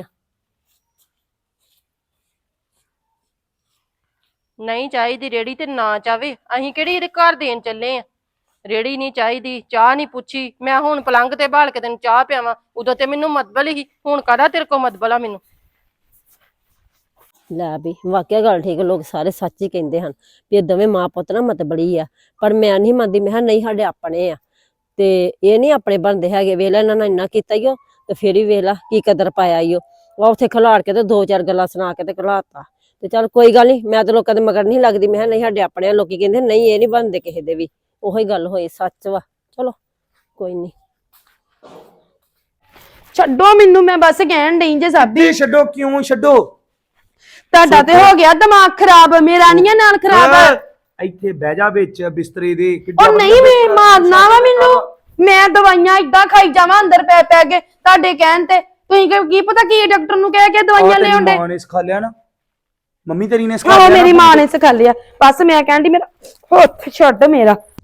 Speaker 2: ਨਹੀਂ ਚਾਹੀਦੀ ਰੇੜੀ ਤੇ ਨਾ ਚਾਵੇ, ਅਸੀਂ ਕਿਹੜੀ ਇਹਦੇ ਘਰ ਦੇਣ ਚੱਲੇ ਆ? ਰੇੜੀ ਨਹੀਂ ਚਾਹੀਦੀ, ਚਾਹ ਨਹੀਂ ਪੁੱਛੀ, ਮੈਂ ਹੁਣ ਪਲੰਗ ਤੇ ਬਾਲ ਕੇ ਤੈਨੂੰ ਚਾਹ ਪਿਆਵਾਂ? ਉਦੋਂ ਤੇ ਮੈਨੂੰ ਮਤਬਲ ਹੀ, ਹੁਣ ਕਾਹਦਾ ਤੇਰੇ ਕੋਲ ਮਤਬਲ ਆ ਮੈਨੂੰ?
Speaker 3: ਲੈ ਵੀ ਵਾਕਿਆ ਗੱਲ ਠੀਕ, ਲੋਕ ਸਾਰੇ ਸੱਚ ਹੀ ਕਹਿੰਦੇ ਹਨ ਵੀ ਇਹ ਦੋਵੇਂ ਮਾਂ ਪੁੱਤ ਨਾ ਮਤਬਲੀ ਆ, ਪਰ ਮੈਂ ਨਹੀਂ ਮੰਨਦੀ। ਮੈਂ ਕਿਹਾ ਨਹੀਂ, ਸਾਡੇ ਆਪਣੇ ਆ ਤੇ ਇਹ ਨਹੀਂ ਆਪਣੇ ਬਣਦੇ ਹੈਗੇ। ਵੇਲੇ ਇਹਨਾਂ ਨੇ ਇੰਨਾ ਕੀਤਾ ਹੀ ਉਹ, ਤੇ ਫੇਰ ਹੀ ਵੇਖ ਲਾ ਕੀ ਕਦਰ ਪਾਇਆ ਈ ਉਹ ਉੱਥੇ ਖਿਲਾੜ ਕੇ ਤੇ 2-4 ਗੱਲਾਂ ਸੁਣਾ ਕੇ ਤੇ ਘਲਾਤਾ। ਤੇ ਚੱਲ ਕੋਈ ਗੱਲ ਨਹੀਂ, ਮੈਂ ਤਾਂ ਲੋਕਾਂ ਦੇ ਮਗਰ ਨਹੀਂ ਲੱਗਦੀ। ਮੈਂ ਕਿਹਾ ਨਹੀਂ ਸਾਡੇ ਆਪਣੇ ਆ, ਲੋਕੀ ਕਹਿੰਦੇ ਨਹੀਂ ਇਹ ਨਹੀਂ ਬਣਦੇ ਕਿਸੇ ਦੇ ਵੀ। ਉਹੀ ਗੱਲ ਹੋਈ, ਸੱਚ ਵਾ। ਚਲੋ ਕੋਈ ਨਹੀਂ,
Speaker 6: ਛੱਡੋ ਮੈਨੂੰ, ਮੈਂ ਬਸ ਕਹਿਣ ਡਈ ਜੇ ਸਾਬੀ।
Speaker 1: ਤੇ ਛੱਡੋ ਕਿਉਂ ਛੱਡੋ?
Speaker 6: ਤੁਹਾਡਾ ਤੇ ਹੋ ਗਿਆ ਦਿਮਾਗ ਖਰਾਬ, ਮੇਰਾ ਨਹੀਂ ਨਾਲ ਖਰਾਬ।
Speaker 1: ਇੱਥੇ ਬਹਿ ਜਾ ਵਿੱਚ ਬਿਸਤਰੇ ਦੇ। ਕਿੱਡਾ
Speaker 6: ਉਹ ਨਹੀਂ ਮੈਂ ਮਾਰਨਾ ਵਾ ਮੈਨੂੰ, ਮੈਂ ਦਵਾਈਆਂ ਇਦਾਂ ਖਾਈ ਜਾਵਾਂ ਅੰਦਰ ਪੈ ਪੈ ਕੇ ਤੁਹਾਡੇ ਕਹਿਣ ਤੇ। ਤੁਸੀਂ ਕੀ ਪਤਾ ਕੀ ਡਾਕਟਰ ਨੂੰ ਕਹਿ ਕੇ ਦਵਾਈਆਂ ਲੈ ਆਉਂਦੇ।
Speaker 1: ਮਾਂ ਨੇ ਸਿਖਾ ਲਿਆ ਨਾ, ਮੰਮੀ ਤੇਰੀ ਨੇ ਸਿਖਾ
Speaker 6: ਹਾਂ
Speaker 1: ਲਿਆ ਨਾ।
Speaker 6: ਮੇਰੀ ਮਾਂ ਨੇ ਸਿਖਾ ਲਿਆ। ਬਸ ਮੈਂ ਕਹਿਣ ਡਈ ਮੇਰਾ ਹੱਥ ਛੱਡ ਮੇਰਾ।